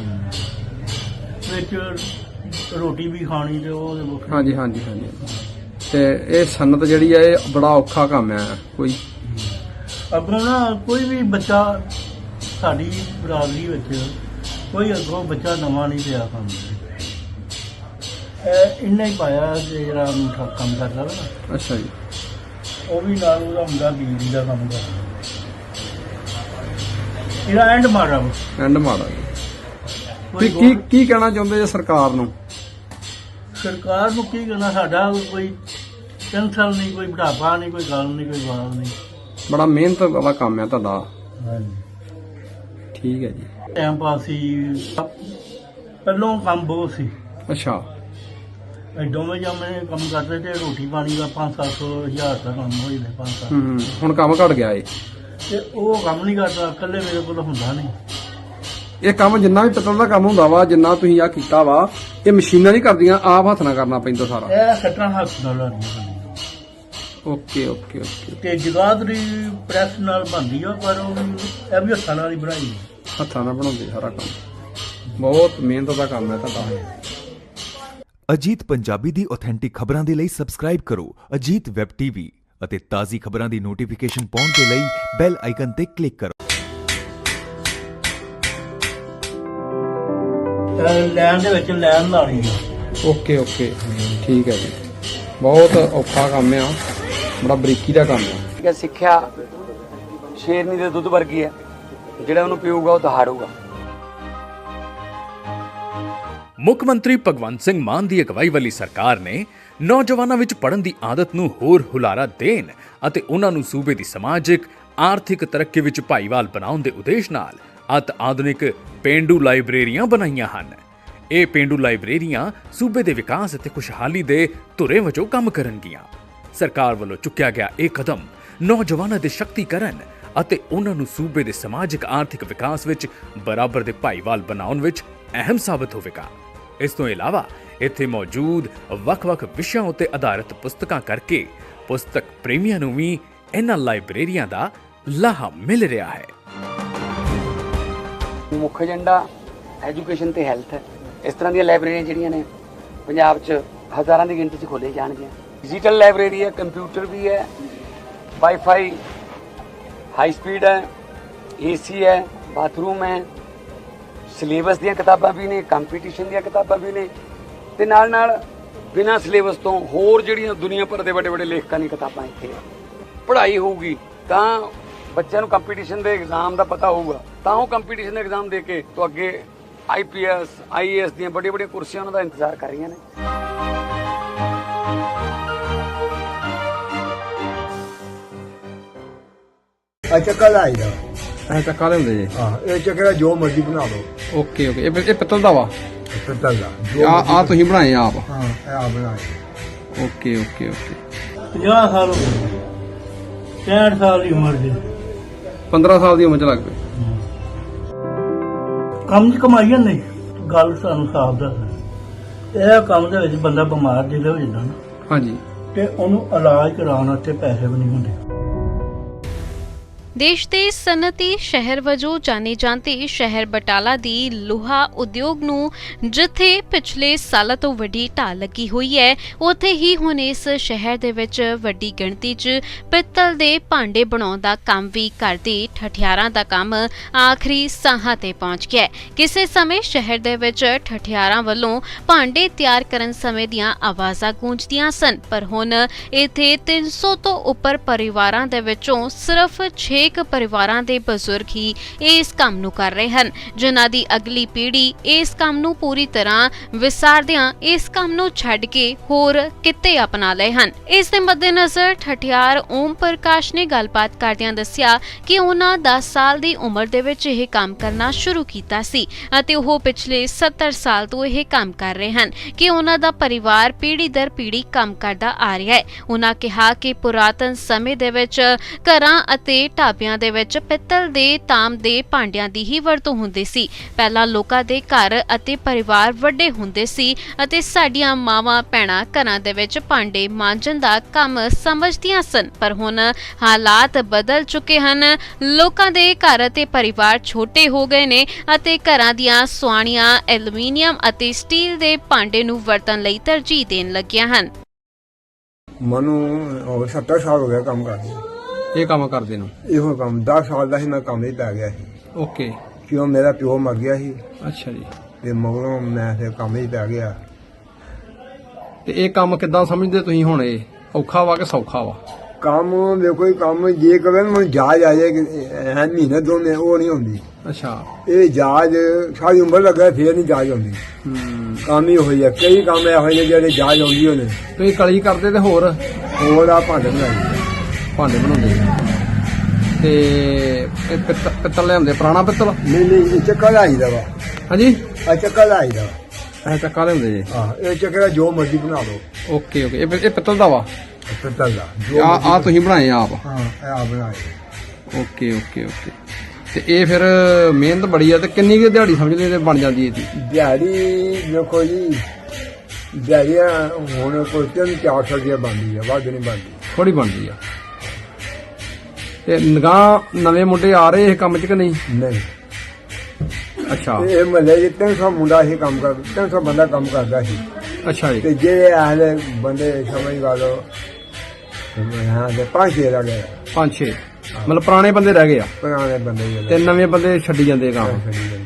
[SPEAKER 1] ਵਿੱਚ ਰੋਟੀ ਵੀ ਖਾਣੀ ਤੇ ਉਹ ਵੱਖਰੀ।
[SPEAKER 2] ਹਾਂਜੀ ਹਾਂਜੀ ਹਾਂਜੀ। ਤੇ ਇਹ ਸਨਅਤ ਜਿਹੜੀ ਆ ਇਹ ਬੜਾ ਔਖਾ ਕੰਮ ਆ। ਕੋਈ
[SPEAKER 1] ਅੱਗੋਂ ਨਾ ਕੋਈ ਵੀ ਬੱਚਾ ਸਾਡੀ ਬਰਾਦਰੀ ਵਿੱਚ ਕੋਈ ਅੱਗੋਂ ਬੱਚਾ ਨਵਾਂ ਨਹੀਂ ਪਿਆ ਕੰਮ ਦੇ। ਇਹ ਇੰਨਾ ਹੀ ਪਾਇਆ ਕਿ ਜਿਹੜਾ ਮੁੰਡਾ ਕੰਮ ਕਰਦਾ ਵਾ ਨਾ,
[SPEAKER 2] ਅੱਛਾ ਜੀ।
[SPEAKER 1] ਉਹ ਵੀ ਨਾਲ ਉਹਦਾ ਮੁੰਡਾ ਬਿਜਲੀ ਦਾ ਕੰਮ ਕਰਦਾ। ਇਹਦਾ ਐਂਡ ਮਾਰਾ ਵਾ।
[SPEAKER 2] ਐਂਡ ਮਾੜਾ ਜੀ।
[SPEAKER 1] ਕੋਈ
[SPEAKER 2] ਕੀ ਕੀ ਕੀ ਕਹਿਣਾ ਚਾਹੁੰਦੇ ਜੇ ਸਰਕਾਰ ਨੂੰ?
[SPEAKER 1] ਸਰਕਾਰ ਨੂੰ ਕੀ ਕਹਿਣਾ, ਸਾਡਾ ਕੋਈ ਟੈਨਸ਼ਨ ਨਹੀਂ, ਕੋਈ ਬੁਢਾਪਾ ਨਹੀਂ, ਕੋਈ ਗੱਲ ਨਹੀਂ, ਕੋਈ ਬਾਤ ਨਹੀਂ।
[SPEAKER 2] ਬੜਾ ਮਿਹਨਤ ਵਾਲਾ ਕੰਮ ਆ ਤੁਹਾਡਾ।
[SPEAKER 1] ਹਾਂਜੀ
[SPEAKER 2] ਠੀਕ ਹੈ ਜੀ।
[SPEAKER 1] ਟਾਈਮ ਪਾਸ ਸੀ, ਪਹਿਲੋਂ ਕੰਮ ਬਹੁਤ ਸੀ।
[SPEAKER 2] ਅੱਛਾ।
[SPEAKER 1] ਇਹ ਦੋਵੇਂ ਜਾਮੇ ਕੰਮ ਕਰਦੇ ਤੇ ਰੋਟੀ ਪਾਣੀ ਦਾ ਪੰਜ ਸੱਤ ਸੌ ਹਜ਼ਾਰ ਦਾ ਕੰਮ ਹੋ ਜਾਂਦਾ ਪੰਜ ਸੱਤ।
[SPEAKER 2] ਹੂੰ ਹੁਣ ਕੰਮ ਘਟ ਗਿਆ ਏ?
[SPEAKER 1] ਤੇ ਉਹ ਕੰਮ ਨਹੀਂ ਕਰਦਾ, ਇਕੱਲੇ ਮੇਰੇ ਕੋਲ ਹੁੰਦਾ ਨਹੀਂ।
[SPEAKER 2] ਇਹ ਕੰਮ ਜਿੰਨਾ ਵੀ ਪਿੱਤਲ ਦਾ ਕੰਮ ਹੁੰਦਾ ਵਾ, ਜਿੰਨਾ ਤੁਸੀਂ ਆ ਕੀਤਾ ਵਾ, ਇਹ ਮਸ਼ੀਨਾਂ ਨਹੀਂ ਕਰਦੀਆਂ, ਆਪ ਹੱਥ ਨਾਲ ਕਰਨਾ ਪੈਂਦਾ ਸਾਰਾ?
[SPEAKER 1] ਇਹ ਸੱਟਾਂ ਹੱਥ ਨਾਲ ਲਾਉਣੀਆਂ।
[SPEAKER 2] Okay okay okay.
[SPEAKER 1] ਤੇ ਜਗਾਦਰੀ ਪ੍ਰੈਸ ਨਾਲ ਬਣਦੀ ਆ, ਪਰ ਉਹ ਵੀ ਇਹ ਵੀ ਹੱਥਾਂ ਨਾਲ ਹੀ ਬਣਾਈ।
[SPEAKER 2] ਹੱਥਾਂ ਨਾਲ ਬਣਾਉਂਦੇ ਸਾਰਾ ਕੰਮ। ਬਹੁਤ ਮਿਹਨਤ ਦਾ ਕੰਮ ਹੈ ਤੁਹਾਡਾ।
[SPEAKER 7] ਅਜੀਤ ਪੰਜਾਬੀ ਦੀ ਆਥੈਂਟਿਕ ਖਬਰਾਂ ਦੇ ਲਈ ਸਬਸਕ੍ਰਾਈਬ ਕਰੋ ਅਜੀਤ ਵੈਬ ਟੀਵੀ ਅਤੇ ਤਾਜ਼ੀ ਖਬਰਾਂ ਦੀ ਨੋਟੀਫਿਕੇਸ਼ਨ ਪਾਉਣ ਦੇ ਲਈ ਬੈਲ ਆਈਕਨ ਤੇ ਕਲਿੱਕ ਕਰੋ।
[SPEAKER 1] ਲੈਣ ਦੇ ਵਿੱਚ ਲੈਣ ਲਾਣੀ ਆ।
[SPEAKER 2] ਓਕੇ ਓਕੇ ਠੀਕ ਹੈ ਜੀ। ਬਹੁਤ ਔਖਾ ਕੰਮ ਆ, ਬੜਾ ਬਰੀਕੀ ਦਾ ਕੰਮ ਆ।
[SPEAKER 3] ਕਿ ਸਿੱਖਿਆ ਸ਼ੇਰਨੀ ਦੇ ਦੁੱਧ ਵਰਗੀ ਹੈ, ਜਿਹੜਾ ਉਹਨੂੰ ਪੀਊਗਾ ਉਹ ਦਹਾੜੂਗਾ।
[SPEAKER 4] ਮੁੱਖ ਮੰਤਰੀ ਭਗਵੰਤ ਸਿੰਘ ਮਾਨ ਦੀ ਅਗਵਾਈ ਵਾਲੀ ਸਰਕਾਰ ਨੇ ਨੌਜਵਾਨਾਂ ਵਿੱਚ ਪੜ੍ਹਨ ਦੀ ਆਦਤ ਨੂੰ ਹੋਰ ਹੁਲਾਰਾ ਦੇਣ ਅਤੇ ਉਹਨਾਂ ਨੂੰ ਸੂਬੇ ਦੀ ਸਮਾਜਿਕ ਆਰਥਿਕ ਤਰੱਕੀ ਵਿੱਚ ਭਾਈਵਾਲ ਬਣਾਉਣ ਦੇ ਉਦੇਸ਼ ਨਾਲ ਅਤ ਆਧੁਨਿਕ ਪੇਂਡੂ ਲਾਇਬ੍ਰੇਰੀਆਂ ਬਣਾਈਆਂ ਹਨ। ਇਹ ਪੇਂਡੂ ਲਾਇਬ੍ਰੇਰੀਆਂ ਸੂਬੇ ਦੇ ਵਿਕਾਸ ਅਤੇ ਖੁਸ਼ਹਾਲੀ ਦੇ ਧੁਰੇ ਵਜੋਂ ਕੰਮ ਕਰਨਗੀਆਂ। ਸਰਕਾਰ ਵੱਲੋਂ ਚੁੱਕਿਆ ਗਿਆ ਇਹ ਕਦਮ ਨੌਜਵਾਨਾਂ ਦੇ ਸ਼ਕਤੀਕਰਨ ਅਤੇ ਉਹਨਾਂ ਨੂੰ ਸੂਬੇ ਦੇ ਸਮਾਜਿਕ ਆਰਥਿਕ ਵਿਕਾਸ ਵਿੱਚ ਬਰਾਬਰ ਦੇ ਭਾਈਵਾਲ ਬਣਾਉਣ ਵਿੱਚ ਅਹਿਮ ਸਾਬਤ ਹੋਵੇਗਾ। ਇਸ ਤੋਂ ਇਲਾਵਾ ਇੱਥੇ ਮੌਜੂਦ ਵੱਖ-ਵੱਖ ਵਿਸ਼ਿਆਂ ਉੱਤੇ ਆਧਾਰਿਤ ਪੁਸਤਕਾਂ ਕਰਕੇ ਪੁਸਤਕ ਪ੍ਰੇਮੀਆਂ ਨੂੰ ਵੀ ਇਹਨਾਂ ਲਾਇਬ੍ਰੇਰੀਆਂ ਦਾ ਲਾਹਾ ਮਿਲ ਰਿਹਾ ਹੈ।
[SPEAKER 3] ਮੁੱਖ ਏਜੰਡਾ ਐਜੂਕੇਸ਼ਨ ਤੇ ਹੈਲਥ ਹੈ। ਇਸ ਤਰ੍ਹਾਂ ਦੀਆਂ ਲਾਇਬ੍ਰੇਰੀਆਂ ਜਿਹੜੀਆਂ ਨੇ ਪੰਜਾਬ 'ਚ ਹਜ਼ਾਰਾਂ ਦੀ ਗਿਣਤੀ 'ਚ ਖੋਲ੍ਹੀਆਂ ਜਾਣਗੀਆਂ। ਡਿਜੀਟਲ ਲਾਇਬ੍ਰੇਰੀ ਹੈ, ਕੰਪਿਊਟਰ ਵੀ ਹੈ, ਵਾਈਫਾਈ ਹਾਈ ਸਪੀਡ ਹੈ, ਏਸੀ ਹੈ, ਬਾਥਰੂਮ ਹੈ, ਸਿਲੇਬਸ ਦੀਆਂ ਕਿਤਾਬਾਂ ਵੀ ਨੇ, ਕੰਪੀਟੀਸ਼ਨ ਦੀਆਂ ਕਿਤਾਬਾਂ ਵੀ ਨੇ ਤੇ ਨਾਲ ਨਾਲ ਬਿਨਾਂ ਸਿਲੇਬਸ ਤੋਂ ਹੋਰ ਜਿਹੜੀਆਂ ਦੁਨੀਆ ਭਰ ਦੇ ਵੱਡੇ ਵੱਡੇ ਲੇਖਕਾਂ ਦੀਆਂ ਕਿਤਾਬਾਂ ਇੱਥੇ ਪੜ੍ਹਾਈ ਹੋਊਗੀ ਤਾਂ ਬੱਚਿਆਂ ਨੂੰ ਕੰਪੀਟੀਸ਼ਨ ਦੇ ਐਗਜ਼ਾਮ ਦਾ ਪਤਾ ਹੋਊਗਾ ਤਾਂ ਉਹ ਕੰਪੀਟੀਸ਼ਨ ਦੇ ਐਗਜ਼ਾਮ ਦੇ ਕੇ ਤੋਂ ਅੱਗੇ ਆਈ P S I A S ਦੀਆਂ ਵੱਡੀਆਂ ਵੱਡੀਆਂ ਕੁਰਸੀਆਂ ਉਹਨਾਂ ਦਾ ਇੰਤਜ਼ਾਰ ਕਰ ਰਹੀਆਂ ਨੇ।
[SPEAKER 5] ਆ ਚੱਕਾ ਲਾਈਦਾ
[SPEAKER 2] ਐ ਚੱਕਾ ਲਿਆਉਂਦੇ ਜੀ।
[SPEAKER 5] ਹਾਂ ਇਹ ਚੱਕਰਾ ਜੋ ਮਰਜ਼ੀ ਬਣਾ ਲਓ।
[SPEAKER 2] ਓਕੇ ਓਕੇ, ਇਹ ਇਹ ਪਿੱਤਲ ਦਾ ਵਾ।
[SPEAKER 5] ਪਿੱਤਲ ਦਾ
[SPEAKER 2] ਆ ਆ ਤੁਸੀਂ ਬਣਾਏ ਆਪ?
[SPEAKER 5] ਹਾਂ ਇਹ ਆ ਬਣਾਏ।
[SPEAKER 2] Okay okay okay.
[SPEAKER 1] ਪੰਜਾਹ ਸਾਲ ਹੋ ਗਏ, ਪੈਂਹਠ ਸਾਲ ਦੀ ਉਮਰ ਦੇ
[SPEAKER 2] ਪੰਦਰਾਂ ਸਾਲ ਦੀ ਉਮਰ ਚ ਲੱਗ ਪਏ।
[SPEAKER 1] ਕੰਮ ਦੀ ਕਮਾਈ ਹੈ ਨਹੀਂ, ਗੱਲ ਸਾਨੂੰ ਸਾਫ਼ ਦੱਸ। ਇਹ ਕੰਮ ਦੇ ਵਿੱਚ ਬੰਦਾ ਬਿਮਾਰ ਜਿਹਦੇ ਹੋ ਜਾਂਦਾ ਨਾ,
[SPEAKER 2] ਹਾਂਜੀ,
[SPEAKER 1] ਤੇ ਉਹਨੂੰ ਇਲਾਜ ਕਰਾਉਣ ਵਾਸਤੇ ਪੈਸੇ ਵੀ ਨਹੀਂ ਹੁੰਦੇ।
[SPEAKER 6] ਦੇਸ਼ ਦੇ ਸਨਅਤੀ ਸ਼ਹਿਰ ਵਜੋਂ ਜਾਣੇ ਜਾਂਦੇ ਸ਼ਹਿਰ ਬਟਾਲਾ ਦੀ ਲੋਹਾ ਉਦਯੋਗ ਨੂੰ ਜਿੱਥੇ ਪਿਛਲੇ ਸਾਲਾਂ ਤੋਂ ਵੱਡੀ ਢਾਲ ਲੱਗੀ ਹੋਈ ਹੈ, ਉੱਥੇ ਹੀ ਹੁਣ ਇਸ ਸ਼ਹਿਰ ਦੇ ਵਿੱਚ ਵੱਡੀ ਗਿਣਤੀ 'ਚ ਪਿੱਤਲ ਦੇ ਭਾਂਡੇ ਬਣਾਉਣ ਦਾ ਕੰਮ ਵੀ ਕਰਦੇ ਠਠਿਆਰਾਂ ਦਾ ਕੰਮ ਆਖਰੀ ਸਾਹਾਂ ਤੇ ਪਹੁੰਚ ਗਿਆ ਹੈ। ਕਿਸੇ ਸਮੇਂ ਸ਼ਹਿਰ ਦੇ ਵਿੱਚ ਠਠਿਆਰਾਂ ਵੱਲੋਂ ਭਾਂਡੇ ਤਿਆਰ ਕਰਨ ਸਮੇਂ ਦੀਆਂ ਆਵਾਜ਼ਾਂ ਗੂੰਜਦੀਆਂ ਸਨ, ਪਰ ਹੁਣ ਇੱਥੇ ਤਿੰਨ ਸੌ ਤੋਂ ਉੱਪਰ ਪਰਿਵਾਰਾਂ ਦੇ ਵਿੱਚੋਂ ਸਿਰਫ ਛੇ ਇੱਕ ਪਰਿਵਾਰਾਂ ਦੇ ਬਜ਼ੁਰਗ ਹੀ ਇਸ ਕੰਮ ਨੂੰ ਕਰ ਰਹੇ ਹਨ, ਜਿਨ੍ਹਾਂ ਦੀ ਅਗਲੀ ਪੀੜ੍ਹੀ ਇਸ ਕੰਮ ਨੂੰ ਪੂਰੀ ਤਰ੍ਹਾਂ ਵਿਸਾਰਦਿਆਂ ਇਸ ਕੰਮ ਨੂੰ ਛੱਡ ਕੇ ਹੋਰ ਕਿੱਤੇ ਅਪਣਾ ਲਏ ਹਨ। ਇਸ ਦੇ ਮੱਦੇਨਜ਼ਰ ਠਠਿਆਰ ਓਮ ਪ੍ਰਕਾਸ਼ ਨੇ ਗੱਲਬਾਤ ਕਰਦਿਆਂ ਦੱਸਿਆ ਕਿ ਉਹਨਾਂ ਦਸ ਸਾਲ ਦੀ ਉਮਰ ਦੇ ਵਿੱਚ ਇਹ ਕੰਮ ਕਰਨਾ ਸ਼ੁਰੂ ਕੀਤਾ ਸੀ ਅਤੇ ਉਹ ਪਿਛਲੇ ਸੱਤਰ ਸਾਲ ਤੋਂ ਇਹ ਕੰਮ ਕਰ ਰਹੇ ਹਨ ਕਿ ਉਹਨਾਂ ਦਾ ਪਰਿਵਾਰ ਪੀੜ੍ਹੀ ਦਰ ਪੀੜ੍ਹੀ ਕੰਮ ਕਰਦਾ ਆ ਰਿਹਾ ਹੈ। ਉਹਨਾਂ ਕਿਹਾ ਕਿ ਪੁਰਾਤਨ ਸਮੇਂ ਦੇ ਵਿੱਚ ਘਰਾਂ ਅਤੇ ਢਾਬਿਆਂ ਦੇ ਵਿੱਚ ਪਿੱਤਲ ਦੇ ਤਾਂਬ ਦੇ ਭਾਂਡਿਆਂ ਦੀ ਹੀ ਵਰਤੋਂ ਹੁੰਦੀ ਸੀ। ਪਹਿਲਾਂ ਲੋਕਾਂ ਦੇ ਘਰ ਅਤੇ ਪਰਿਵਾਰ ਵੱਡੇ ਹੁੰਦੇ ਸੀ ਅਤੇ ਸਾਡੀਆਂ ਮਾਵਾਂ ਭੈਣਾਂ ਘਰਾਂ ਦੇ ਵਿੱਚ ਭਾਂਡੇ ਮਾਂਜਣ ਦਾ ਕੰਮ ਸਮਝਦੀਆਂ ਸਨ, ਪਰ ਹੁਣ ਹਾਲਾਤ ਬਦਲ ਚੁੱਕੇ ਹਨ। ਲੋਕਾਂ ਦੇ ਘਰ ਅਤੇ ਪਰਿਵਾਰ ਛੋਟੇ ਹੋ ਗਏ ਨੇ ਅਤੇ ਘਰਾਂ ਦੀਆਂ ਸੁਆਣੀਆਂ ਐਲੂਮੀਨੀਅਮ ਅਤੇ ਸਟੀਲ ਦੇ ਭਾਂਡੇ ਨੂੰ ਵਰਤਣ ਲਈ ਤਰਜੀਹ ਦੇਣ ਲੱਗੀਆਂ ਹਨ।
[SPEAKER 5] ਮੈਨੂੰ ਸੱਤਰ ਸਾਲ ਹੋ ਗਿਆ ਕੰਮ ਕਰਦੇ।
[SPEAKER 2] ਇਹ ਕੰਮ ਕਰਦੇ ਨੂੰ?
[SPEAKER 5] ਇਹੋ ਕੰਮ ਦਸ ਸਾਲ ਦਾ ਸੀ ਮੈਂ ਕੰਮ ਹੀ ਪੈ ਗਿਆ ਸੀ।
[SPEAKER 2] ਓਕੇ।
[SPEAKER 5] ਕਿਉਂ ਮੇਰਾ ਪਿਓ ਮਰ ਗਿਆ ਸੀ।
[SPEAKER 2] ਅੱਛਾ ਜੀ।
[SPEAKER 5] ਤੇ ਮਗਰੋਂ ਮੈਂ ਫਿਰ ਕੰਮ ਹੀ ਪੈ ਗਿਆ।
[SPEAKER 2] ਤੇ ਇਹ ਕੰਮ ਕਿੱਦਾਂ ਸਮਝਦੇ ਤੁਸੀਂ ਹੁਣ? ਇਹ ਔਖਾ ਵਾ ਕਿ ਸੌਖਾ ਵਾ?
[SPEAKER 5] ਕੰਮ ਦੇਖੋ ਇਹ ਕੰਮ ਜੇ ਕਰੇ ਮੈਨੂੰ ਜਾਜ ਆ ਜਾਏ ਐ ਮਹੀਨੇ ਦੋ ਮਹੀਨੇ ਉਹ ਨਹੀਂ ਹੁੰਦੀ।
[SPEAKER 2] ਅੱਛਾ।
[SPEAKER 5] ਇਹ ਜਾਜ ਸਾਰੀ ਉਮਰ ਲੱਗਾ ਫੇਰ ਨਹੀਂ ਜਾਜ ਆਉਂਦੀ।
[SPEAKER 2] ਹੂੰ। ਕੰਮ
[SPEAKER 5] ਹੀ ਹੋਈ ਆ, ਕਈ ਕੰਮ ਇਹੋ ਜਿਹੇ ਜਿਹੜੇ ਜਾਜ ਆਉਂਦੀ ਹੋਣੇ।
[SPEAKER 2] ਤੁਸੀਂ ਕਲੀ ਕਰਦੇ ਤੇ ਹੋਰ
[SPEAKER 5] ਹੋਰ ਆ ਭਾਂਡੇ ਬਣਾਈ
[SPEAKER 2] ਭਾਂਡੇ ਬਣਾਉਂਦੇ ਤੇ ਇਹ ਪਿੱਤਲ ਪਿੱਤਲ ਲਿਆਉਂਦੇ? ਪੁਰਾਣਾ ਪਿੱਤਲ?
[SPEAKER 5] ਨਹੀਂ ਨਹੀਂ ਇਹ ਚੱਕਾ ਲਾਈਦਾ ਵਾ।
[SPEAKER 2] ਹਾਂਜੀ,
[SPEAKER 5] ਆ ਚੱਕਾ ਲਾਈਦਾ ਵਾ।
[SPEAKER 2] ਇਹ ਚੱਕਾ ਲਿਆਉਂਦੇ ਜੀ?
[SPEAKER 5] ਹਾਂ ਇਹ ਚੱਕਰਾ ਜੋ ਮਰਜ਼ੀ ਬਣਾ ਲਓ।
[SPEAKER 2] ਓਕੇ ਓਕੇ, ਇਹ ਇਹ ਪਿੱਤਲ ਦਾ ਵਾ?
[SPEAKER 5] ਪਿੱਤਲ ਦਾ।
[SPEAKER 2] ਆ ਆ ਤੁਸੀਂ ਬਣਾਏ ਆਪ?
[SPEAKER 5] ਹਾਂ ਇਹ ਆ ਬਣਾਏ।
[SPEAKER 2] Okay okay okay. ਤੇ ਇਹ ਫਿਰ ਮਿਹਨਤ ਬੜੀ ਆ ਤੇ ਕਿੰਨੀ ਕੁ ਦਿਹਾੜੀ ਸਮਝਦੇ ਤੇ ਬਣ ਜਾਂਦੀ ਇਹਦੀ?
[SPEAKER 5] ਦਿਹਾੜੀ ਦੇਖੋ ਜੀ, ਦਿਹਾੜੀਆਂ ਹੁਣ ਕੋਈ ਤਿੰਨ ਚਾਰ ਸੌ ਰੁਪਇਆ ਬਣਦੀ ਆ, ਵੱਧ ਨਹੀਂ ਬਣਦੀ।
[SPEAKER 2] ਥੋੜੀ ਬਣਦੀ ਆ। ਤੇ ਨਿਗਾਹ ਨਵੇਂ ਮੁੰਡੇ ਆ ਰਹੇ ਇਹ ਕੰਮ 'ਚ ਕਿ ਨਹੀਂ?
[SPEAKER 5] ਨਹੀਂ।
[SPEAKER 2] ਅੱਛਾ।
[SPEAKER 5] ਇਹ ਮਹੱਲੇ 'ਚ ਤਿੰਨ ਸੌ ਮੁੰਡਾ ਹੀ ਕੰਮ ਕਰ ਤਿੰਨ ਸੌ ਬੰਦਾ ਕੰਮ ਕਰਦਾ ਸੀ।
[SPEAKER 2] ਅੱਛਾ ਜੀ।
[SPEAKER 5] ਤੇ ਜਿਹੜੇ ਆਹਲੇ ਬੰਦੇ ਸਮਝ ਗਾ ਲਓ ਹਾਂ ਤੇ ਪੰਜ ਛੇ ਰਹਿ ਗਏ।
[SPEAKER 2] ਪੰਜ ਛੇ ਮਤਲਬ ਪੁਰਾਣੇ ਬੰਦੇ ਰਹਿ ਗਏ ਆ?
[SPEAKER 5] ਪੁਰਾਣੇ ਬੰਦੇ ਜਿਹੜੇ
[SPEAKER 2] ਤੇ ਨਵੇਂ ਬੰਦੇ ਛੱਡੀ ਜਾਂਦੇ ਕੰਮ।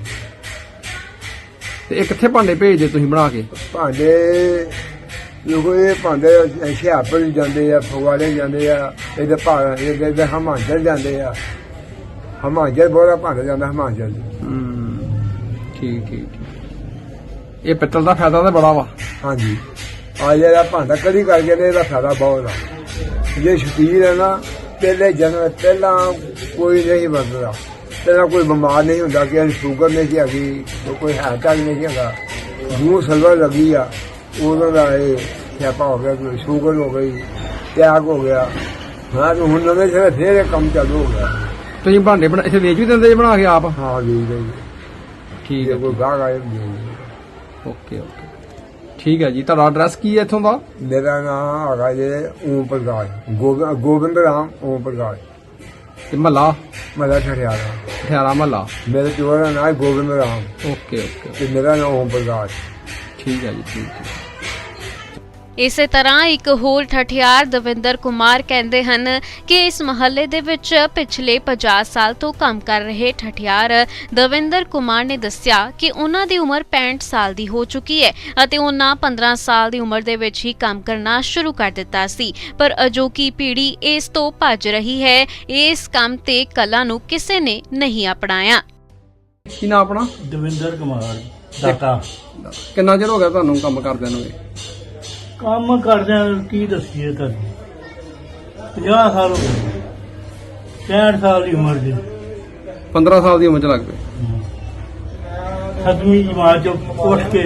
[SPEAKER 2] ਤੇ ਇਹ ਕਿੱਥੇ ਭਾਂਡੇ ਭੇਜਦੇ ਤੁਸੀਂ ਬਣਾ ਕੇ?
[SPEAKER 5] ਭਾਂਡੇ ਲੋਕੋ ਇਹ ਭਾਂਡੇ ਹੁਸ਼ਿਆਰਪੁਰ ਜਾਂਦੇ ਆ, ਫਗਵਾੜੇ ਜਾਂਦੇ ਆ, ਇਹਦੇ ਭਾਂ ਇਹਦੇ ਹਿਮਾਚਲ ਜਾਂਦੇ ਆ। ਹਿਮਾਚਲ ਬੋਲਾ ਭਾਂਡੇ ਜਾਂਦਾ ਹਿਮਾਚਲ।
[SPEAKER 2] ਹੂੰ, ਠੀਕ ਠੀਕ ਠੀਕ। ਇਹ ਪਿੱਤਲ ਦਾ ਫਾਇਦਾ ਤਾਂ ਬੜਾ ਵਾ। ਹਾਂਜੀ।
[SPEAKER 5] ਆ ਜਿਹੜਾ ਭਾਂਡਾ ਕਦੀ ਕਰਕੇ ਨੇ ਇਹਦਾ ਫਾਇਦਾ ਬਹੁਤ ਆ। ਜੇ ਸ਼ਕੀਰ ਹੈ ਨਾ, ਪਹਿਲੇ ਜਨਮ ਪਹਿਲਾਂ ਕੋਈ ਨਹੀਂ ਵਰਤਦਾ, ਪਹਿਲਾਂ ਕੋਈ ਬਿਮਾਰ ਨਹੀਂ ਹੁੰਦਾ ਕਿ ਸ਼ੂਗਰ ਨਹੀਂ ਸੀ ਹੈਗੀ, ਕੋਈ ਹਾਰਟ ਅਟੈਕ ਨਹੀਂ ਹੈਗਾ। ਮੂੰਹ ਸਲਵਾ ਲੱਗੀ ਆ ਉਦੋਂ ਦਾ ਇਹ ਸਿਆਪਾ ਹੋ ਗਿਆ, ਸ਼ੂਗਰ ਹੋ ਗਈ, ਟੈਕ ਹੋ ਗਿਆ। ਹਾਂ ਹੁਣ ਨਵੇਂ ਸਿਰੇ ਫੇਰ ਇਹ ਕੰਮ ਚਾਲੂ ਹੋ ਗਿਆ।
[SPEAKER 2] ਤੁਸੀਂ ਭਾਂਡੇ ਬਣਾ ਇੱਥੇ ਵੇਚ ਵੀ ਦਿੰਦੇ ਬਣਾ ਕੇ ਆਪ?
[SPEAKER 5] ਹਾਂ ਵੇਚਦੇ ਜੀ।
[SPEAKER 2] ਠੀਕ ਹੈ।
[SPEAKER 5] ਕੋਈ ਗਾਹਕ ਆਏ
[SPEAKER 2] ਓਕੇ ਓਕੇ ਠੀਕ ਹੈ ਜੀ। ਤੁਹਾਡਾ ਐਡਰੈਸ ਕੀ ਹੈ ਇੱਥੋਂ ਦਾ?
[SPEAKER 5] ਮੇਰਾ ਨਾਮ ਹੈਗਾ ਜੀ ਓਮ ਪ੍ਰਕਾਸ਼, ਗੋਬਿ- ਗੋਬਿੰਦ ਰਾਮ ਓਮ ਪ੍ਰਕਾਸ਼,
[SPEAKER 2] ਤੇ ਮਹੱਲਾ
[SPEAKER 5] ਮੇਰਾ ਠਠਿਆਰਾ।
[SPEAKER 2] ਠਿਆਰਾ ਮਹੱਲਾ।
[SPEAKER 5] ਮੇਰੇ ਪਿਓ ਦਾ ਨਾਮ ਗੋਬਿੰਦ ਰਾਮ
[SPEAKER 2] ਓਕੇ ਓਕੇ
[SPEAKER 5] ਤੇ ਮੇਰਾ ਨਾਮ ਓਮ ਪ੍ਰਕਾਸ਼।
[SPEAKER 2] ਠੀਕ ਹੈ ਜੀ ਠੀਕ ਹੈ।
[SPEAKER 6] ਇਸੇ ਤਰ੍ਹਾਂ ਇੱਕ ਹੋਰ ਠਠਿਆਰ ਦਵਿੰਦਰ ਕੁਮਾਰ ਕਹਿੰਦੇ ਹਨ ਕਿ ਇਸ ਮਹੱਲੇ ਦੇ ਵਿੱਚ ਪਿਛਲੇ ਪੰਜਾਹ ਸਾਲ ਤੋਂ ਕੰਮ ਕਰ ਰਹੇ ਠਠਿਆਰ ਦਵਿੰਦਰ ਕੁਮਾਰ ਨੇ ਦੱਸਿਆ ਕਿ ਉਹਨਾਂ ਦੀ ਉਮਰ ਪੈਂਹਠ ਸਾਲ ਦੀ ਹੋ ਚੁੱਕੀ ਹੈ ਅਤੇ ਉਹਨਾਂ ਪੰਦਰਾਂ ਸਾਲ ਦੀ ਉਮਰ ਦੇ ਵਿੱਚ ਹੀ ਕੰਮ ਕਰਨਾ ਸ਼ੁਰੂ ਕਰ ਦਿੱਤਾ ਸੀ, ਪਰ ਅਜੋਕੀ ਪੀੜ੍ਹੀ ਇਸ ਤੋਂ ਭੱਜ ਰਹੀ ਹੈ। ਇਸ ਕੰਮ ਤੇ ਕਲਾ ਨੂੰ ਕਿਸੇ ਨੇ ਨਹੀਂ ਅਪਣਾਇਆ।
[SPEAKER 2] ਕੀ ਨਾਮ ਆਪਣਾ?
[SPEAKER 1] ਦਵਿੰਦਰ ਕੁਮਾਰ ਦਾਤਾ।
[SPEAKER 2] ਕਿੰਨਾ ਚਿਰ ਹੋ ਗਿਆ ਤੁਹਾਨੂੰ ਕੰਮ ਕਰਦਿਆਂ ਨੂੰ?
[SPEAKER 1] ਕੰਮ ਕਰਦਿਆਂ ਕੀ ਦੱਸੀਏ ਤੁਹਾਨੂੰ, ਪੰਜਾਹ ਸਾਲ ਹੋ ਗਏ, ਪੈਂਹਠ ਸਾਲ ਦੀ ਉਮਰ ਦੇ।
[SPEAKER 2] ਪੰਦਰਾਂ ਸਾਲ ਦੀ ਉਮਰ ਚ ਲੱਗ ਪਏ।
[SPEAKER 1] ਸੱਤਵੀਂ ਜਮਾਤ ਚੋਂ ਉੱਠ ਕੇ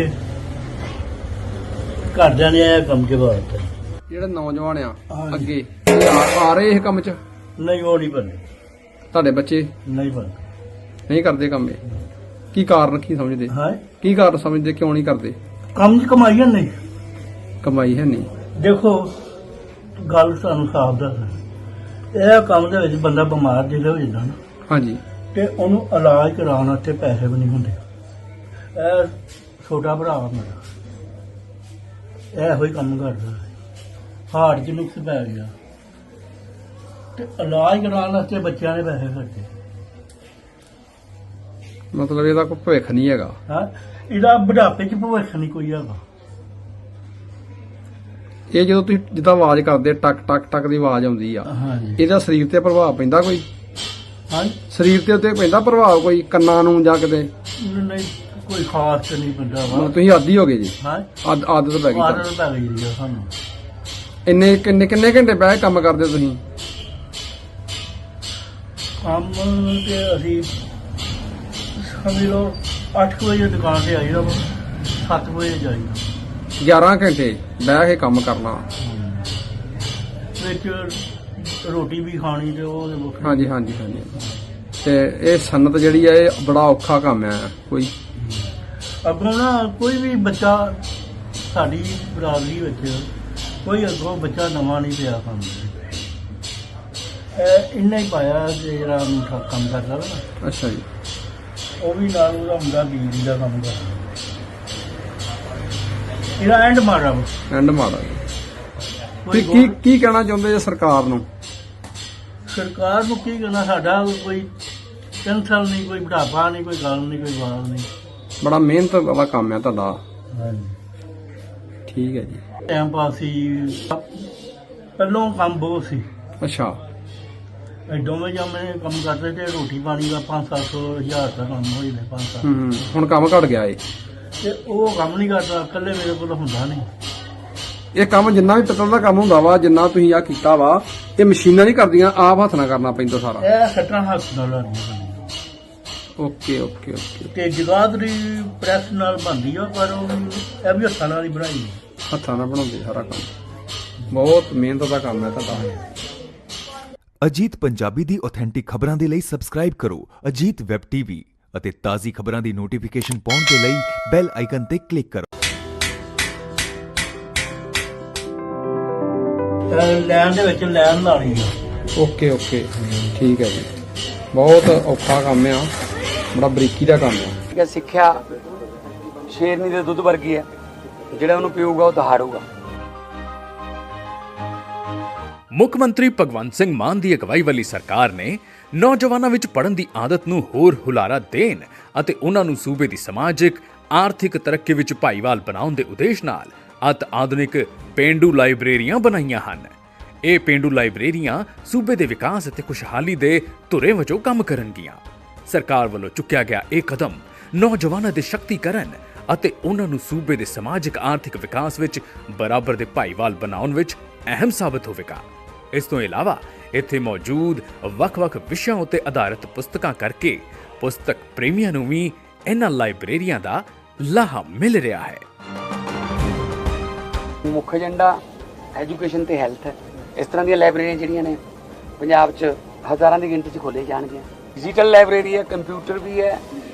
[SPEAKER 1] ਘਰਦਿਆਂ ਨੇ ਇਹ ਕੰਮ ਕੇ ਬਾਤ
[SPEAKER 2] ਜਿਹੜੇ ਨੌਜਵਾਨ ਆ
[SPEAKER 1] ਹਾਂਜੀ।
[SPEAKER 2] ਅੱਗੇ ਇਹ ਆ ਆ ਰਹੇ ਇਹ ਕੰਮ ਚ?
[SPEAKER 1] ਨਹੀਂ, ਉਹ ਨਹੀਂ ਬੰਦੇ,
[SPEAKER 2] ਤੁਹਾਡੇ ਬੱਚੇ
[SPEAKER 1] ਨਹੀਂ ਬੰਦੇ।
[SPEAKER 2] ਨਹੀਂ ਕਰਦੇ ਕੰਮ ਇਹ? ਕੀ ਕਾਰਨ ਕੀ ਸਮਝਦੇ?
[SPEAKER 1] ਹਾਂ,
[SPEAKER 2] ਕੀ ਕਾਰਨ ਸਮਝਦੇ ਕਿਉਂ ਨਹੀਂ ਕਰਦੇ?
[SPEAKER 1] ਕੰਮ ਦੀ ਕਮਾਈ ਹੈ ਨਹੀਂ।
[SPEAKER 2] ਕਮਾਈ ਹੈ ਨਹੀਂ।
[SPEAKER 1] ਦੇਖੋ ਗੱਲ ਤੁਹਾਨੂੰ ਸਾਫ਼ ਦੱਸ, ਇਹ ਕੰਮ ਦੇ ਵਿੱਚ ਬੰਦਾ ਬਿਮਾਰ ਜਿਹੜਾ ਹੋ ਜਾਂਦਾ ਨਾ, ਹਾਂਜੀ, ਤੇ ਉਹਨੂੰ ਇਲਾਜ ਕਰਾਉਣ ਵਾਸਤੇ ਪੈਸੇ ਵੀ ਨਹੀਂ ਹੁੰਦੇ। ਇਹ ਛੋਟਾ ਭਰਾ ਮੇਰਾ ਇਹੋ ਹੀ ਕੰਮ ਕਰਦਾ, ਹਾਰਟ 'ਚ ਨੁਕਸ ਪੈ ਗਿਆ ਤੇ ਇਲਾਜ ਕਰਾਉਣ ਵਾਸਤੇ ਬੱਚਿਆਂ ਦੇ ਪੈਸੇ ਖਰਚੇ।
[SPEAKER 2] ਮਤਲਬ ਇਹਦਾ ਕੋਈ ਭਵਿੱਖ ਨਹੀਂ ਹੈਗਾ।
[SPEAKER 1] ਹਾਂ, ਇਹਦਾ ਬੁਢਾਪੇ 'ਚ ਭਵਿੱਖ ਨਹੀਂ ਕੋਈ ਹੈਗਾ।
[SPEAKER 2] ਇਹ ਜਦੋਂ ਤੁਸੀਂ ਜਿੱਦਾਂ ਆਵਾਜ਼ ਕਰਦੇ ਟਕ ਟਕ ਟਕ ਦੀ ਆਵਾਜ਼ ਆਉਂਦੀ ਆ,
[SPEAKER 1] ਹਾਂਜੀ,
[SPEAKER 2] ਇਹਦਾ ਸਰੀਰ ਤੇ ਪ੍ਰਭਾਵ ਪੈਂਦਾ ਕੋਈ?
[SPEAKER 1] ਹਾਂ,
[SPEAKER 2] ਸਰੀਰ ਤੇ ਉੱਤੇ ਪੈਂਦਾ ਪ੍ਰਭਾਵ ਕੋਈ ਕੰਨਾਂ ਨੂੰ ਜਾਂ ਕਿਤੇ?
[SPEAKER 1] ਨਹੀਂ, ਕੋਈ ਖਾਸ ਤੇ ਨਹੀਂ ਪੈਂਦਾ ਵਾ।
[SPEAKER 2] ਮਤਲਬ ਤੁਸੀਂ ਆਦੀ ਹੋ ਗਏ ਜੀ?
[SPEAKER 1] ਹਾਂ,
[SPEAKER 2] ਆਦ- ਆਦਤ ਪੈ ਗਈ ਤੁਹਾਨੂੰ।
[SPEAKER 1] ਆਦਤ ਪੈ ਗਈ ਜੀ ਸਾਨੂੰ।
[SPEAKER 2] ਇੰਨੇ ਕਿੰਨੇ ਕਿੰਨੇ ਘੰਟੇ ਬਹਿ ਕੇ ਕੰਮ ਕਰਦੇ ਹੋ ਤੁਸੀਂ?
[SPEAKER 1] ਕੰਮ ਤੇ ਅਸੀਂ ਸਮਝ ਲਓ ਅੱਠ ਵਜੇ ਦੁਕਾਨ ਤੇ ਆਈਦਾ ਵਾ, ਸੱਤ ਵਜੇ ਜਾਈਦਾ।
[SPEAKER 2] ਗਿਆਰਾਂ ਘੰਟੇ ਬਹਿ ਕੇ ਕੰਮ ਕਰਨਾ।
[SPEAKER 1] ਵਿੱਚ ਰੋਟੀ ਵੀ ਖਾਣੀ ਤੇ ਉਹ ਵੱਖਰੀ।
[SPEAKER 2] ਹਾਂਜੀ ਹਾਂਜੀ ਹਾਂਜੀ। ਤੇ ਇਹ ਸਨਅਤ ਜਿਹੜੀ ਆ ਇਹ ਬੜਾ ਔਖਾ ਕੰਮ ਆ। ਕੋਈ
[SPEAKER 1] ਅੱਗੋਂ ਨਾ ਕੋਈ ਵੀ ਬੱਚਾ ਸਾਡੀ ਬਰਾਦਰੀ ਵਿੱਚ ਕੋਈ ਅੱਗੋਂ ਬੱਚਾ ਨਵਾਂ ਨਹੀਂ ਪਿਆ ਕੰਮ ਦੇ। ਇਹ ਇੰਨਾ ਹੀ ਪਾਇਆ ਕਿ ਜਿਹੜਾ ਮੁੰਡਾ ਕੰਮ ਕਰਦਾ ਵਾ ਨਾ,
[SPEAKER 2] ਅੱਛਾ ਜੀ।
[SPEAKER 1] ਉਹ ਵੀ ਨਾਲ ਉਹਦਾ ਮੁੰਡਾ ਬਿਜਲੀ ਦਾ ਕੰਮ ਕਰਦਾ। ਇਹਦਾ ਐਂਡ ਮਾਰਾ ਵਾ।
[SPEAKER 2] ਐਂਡ ਮਾੜਾ ਜੀ।
[SPEAKER 1] ਕੋਈ
[SPEAKER 2] ਕੀ ਕੀ ਕੀ ਕਹਿਣਾ ਚਾਹੁੰਦੇ ਜੇ ਸਰਕਾਰ ਨੂੰ?
[SPEAKER 1] ਸਰਕਾਰ ਨੂੰ ਕੀ ਕਹਿਣਾ, ਸਾਡਾ ਕੋਈ ਟੈਨਸ਼ਨ ਨਹੀਂ, ਕੋਈ ਬੁਢਾਪਾ ਨਹੀਂ, ਕੋਈ ਗੱਲ ਨਹੀਂ, ਕੋਈ ਬਾਤ ਨਹੀਂ।
[SPEAKER 2] ਬੜਾ ਮਿਹਨਤ ਵਾਲਾ ਕੰਮ ਆ ਤੁਹਾਡਾ।
[SPEAKER 1] ਹਾਂਜੀ,
[SPEAKER 2] ਠੀਕ ਹੈ ਜੀ।
[SPEAKER 1] ਟਾਈਮ ਪਾਸ ਸੀ, ਪਹਿਲੋਂ ਕੰਮ ਬਹੁਤ ਸੀ।
[SPEAKER 2] ਅੱਛਾ।
[SPEAKER 1] ਇਹ ਦੋਵੇਂ ਜਾਮੇ ਕੰਮ ਕਰਦੇ ਤੇ ਰੋਟੀ ਪਾਣੀ ਦਾ ਪੰਜ ਸੱਤ ਸੌ ਹਜ਼ਾਰ ਦਾ ਕੰਮ ਹੋ ਜਾਂਦਾ। ਪੰਜ ਸੱਤ
[SPEAKER 2] ਹੂੰ ਹੂੰ। ਹੁਣ ਕੰਮ ਘਟ ਗਿਆ ਏ?
[SPEAKER 1] ਤੇ ਉਹ ਕੰਮ ਨਹੀਂ ਕਰਦਾ, ਇਕੱਲੇ ਮੇਰੇ ਕੋਲ ਹੁੰਦਾ ਨਹੀਂ।
[SPEAKER 2] ਇਹ ਕੰਮ ਜਿੰਨਾ ਵੀ ਪਿੱਤਲ ਦਾ ਕੰਮ ਹੁੰਦਾ ਵਾ, ਜਿੰਨਾ ਤੁਸੀਂ ਆ ਕੀਤਾ ਵਾ, ਇਹ ਮਸ਼ੀਨਾਂ ਨਹੀਂ ਕਰਦੀਆਂ, ਆਪ ਹੱਥ ਨਾਲ ਕਰਨਾ ਪੈਂਦਾ ਸਾਰਾ।
[SPEAKER 1] ਇਹ ਸੱਟਾਂ ਹੱਥ ਨਾਲ ਲਾਉਣੀਆਂ।
[SPEAKER 2] Okay okay okay.
[SPEAKER 1] ਤੇ ਜਗਾਦਰੀ ਪ੍ਰੈਸ ਨਾਲ ਬਣਦੀ ਆ, ਪਰ ਉਹ ਵੀ- ਇਹ ਵੀ ਹੱਥਾਂ ਨਾਲ ਹੀ ਬਣਾਈ।
[SPEAKER 2] ਹੱਥਾਂ ਨਾਲ ਬਣਾਉਂਦੇ ਸਾਰਾ ਕੰਮ। ਬਹੁਤ ਮਿਹਨਤ ਦਾ ਕੰਮ ਹੈ ਤੁਹਾਡਾ।
[SPEAKER 7] ਅਜੀਤ ਪੰਜਾਬੀ ਦੀ ਆਥੈਂਟਿਕ ਖਬਰਾਂ ਦੇ ਲਈ ਸਬਸਕ੍ਰਾਈਬ ਕਰੋ ਅਜੀਤ ਵੈਬ ਟੀਵੀ ਅਤੇ ਤਾਜ਼ੀ ਖਬਰਾਂ ਦੀ ਨੋਟੀਫਿਕੇਸ਼ਨ ਪਾਉਣ ਦੇ ਲਈ ਬੈਲ ਆਈਕਨ ਤੇ ਕਲਿੱਕ ਕਰੋ।
[SPEAKER 1] ਲੈਣ ਦੇ ਵਿੱਚ ਲੈਣ ਲਾਣੀ ਆ।
[SPEAKER 2] ਓਕੇ ਓਕੇ ਠੀਕ ਹੈ ਜੀ। ਬਹੁਤ ਔਖਾ ਕੰਮ ਆ, ਬੜਾ ਬਰੀਕੀ ਦਾ ਕੰਮ ਆ।
[SPEAKER 3] ਠੀਕ ਹੈ, ਸਿੱਖਿਆ ਸ਼ੇਰਨੀ ਦੇ ਦੁੱਧ ਵਰਗੀ ਹੈ, ਜਿਹੜਾ ਉਹਨੂੰ ਪੀਊਗਾ ਉਹ ਦਹਾੜੂਗਾ।
[SPEAKER 4] ਮੁੱਖ ਮੰਤਰੀ ਭਗਵੰਤ ਸਿੰਘ ਮਾਨ ਦੀ ਅਗਵਾਈ ਵਾਲੀ ਸਰਕਾਰ ਨੇ ਨੌਜਵਾਨਾਂ ਵਿੱਚ ਪੜ੍ਹਨ ਦੀ ਆਦਤ ਨੂੰ ਹੋਰ ਹੁਲਾਰਾ ਦੇਣ ਅਤੇ ਉਹਨਾਂ ਨੂੰ ਸੂਬੇ ਦੀ ਸਮਾਜਿਕ ਆਰਥਿਕ ਤਰੱਕੀ ਵਿੱਚ ਭਾਈਵਾਲ ਬਣਾਉਣ ਦੇ ਉਦੇਸ਼ ਨਾਲ ਅਤ ਆਧੁਨਿਕ ਪੇਂਡੂ ਲਾਇਬ੍ਰੇਰੀਆਂ ਬਣਾਈਆਂ ਹਨ। ਇਹ ਪੇਂਡੂ ਲਾਇਬ੍ਰੇਰੀਆਂ ਸੂਬੇ ਦੇ ਵਿਕਾਸ ਅਤੇ ਖੁਸ਼ਹਾਲੀ ਦੇ ਧੁਰੇ ਵਜੋਂ ਕੰਮ ਕਰਨਗੀਆਂ। ਸਰਕਾਰ ਵੱਲੋਂ ਚੁੱਕਿਆ ਗਿਆ ਇਹ ਕਦਮ ਨੌਜਵਾਨਾਂ ਦੇ ਸ਼ਕਤੀਕਰਨ ਅਤੇ ਉਹਨਾਂ ਨੂੰ ਸੂਬੇ ਦੇ ਸਮਾਜਿਕ ਆਰਥਿਕ ਵਿਕਾਸ ਵਿੱਚ ਬਰਾਬਰ ਦੇ ਭਾਈਵਾਲ ਬਣਾਉਣ ਵਿੱਚ ਅਹਿਮ ਸਾਬਤ ਹੋਵੇਗਾ। ਇਸ ਤੋਂ ਇਲਾਵਾ ਇੱਥੇ ਮੌਜੂਦ ਵੱਖ-ਵੱਖ ਵਿਸ਼ਿਆਂ ਉੱਤੇ ਆਧਾਰਿਤ ਪੁਸਤਕਾਂ ਕਰਕੇ ਪੁਸਤਕ ਪ੍ਰੇਮੀਆਂ ਨੂੰ ਵੀ ਇਹਨਾਂ ਲਾਇਬ੍ਰੇਰੀਆਂ ਦਾ ਲਾਹਾ ਮਿਲ ਰਿਹਾ ਹੈ।
[SPEAKER 3] ਮੁੱਖ ਏਜੰਡਾ ਐਜੂਕੇਸ਼ਨ ਤੇ ਹੈਲਥ ਹੈ। ਇਸ ਤਰ੍ਹਾਂ ਦੀਆਂ ਲਾਇਬ੍ਰੇਰੀਆਂ ਜਿਹੜੀਆਂ ਨੇ ਪੰਜਾਬ 'ਚ ਹਜ਼ਾਰਾਂ ਦੀ ਗਿਣਤੀ 'ਚ ਖੋਲ੍ਹੀਆਂ ਜਾਣਗੀਆਂ। ਡਿਜੀਟਲ ਲਾਇਬ੍ਰੇਰੀ ਹੈ, ਕੰਪਿਊਟਰ ਵੀ ਹੈ,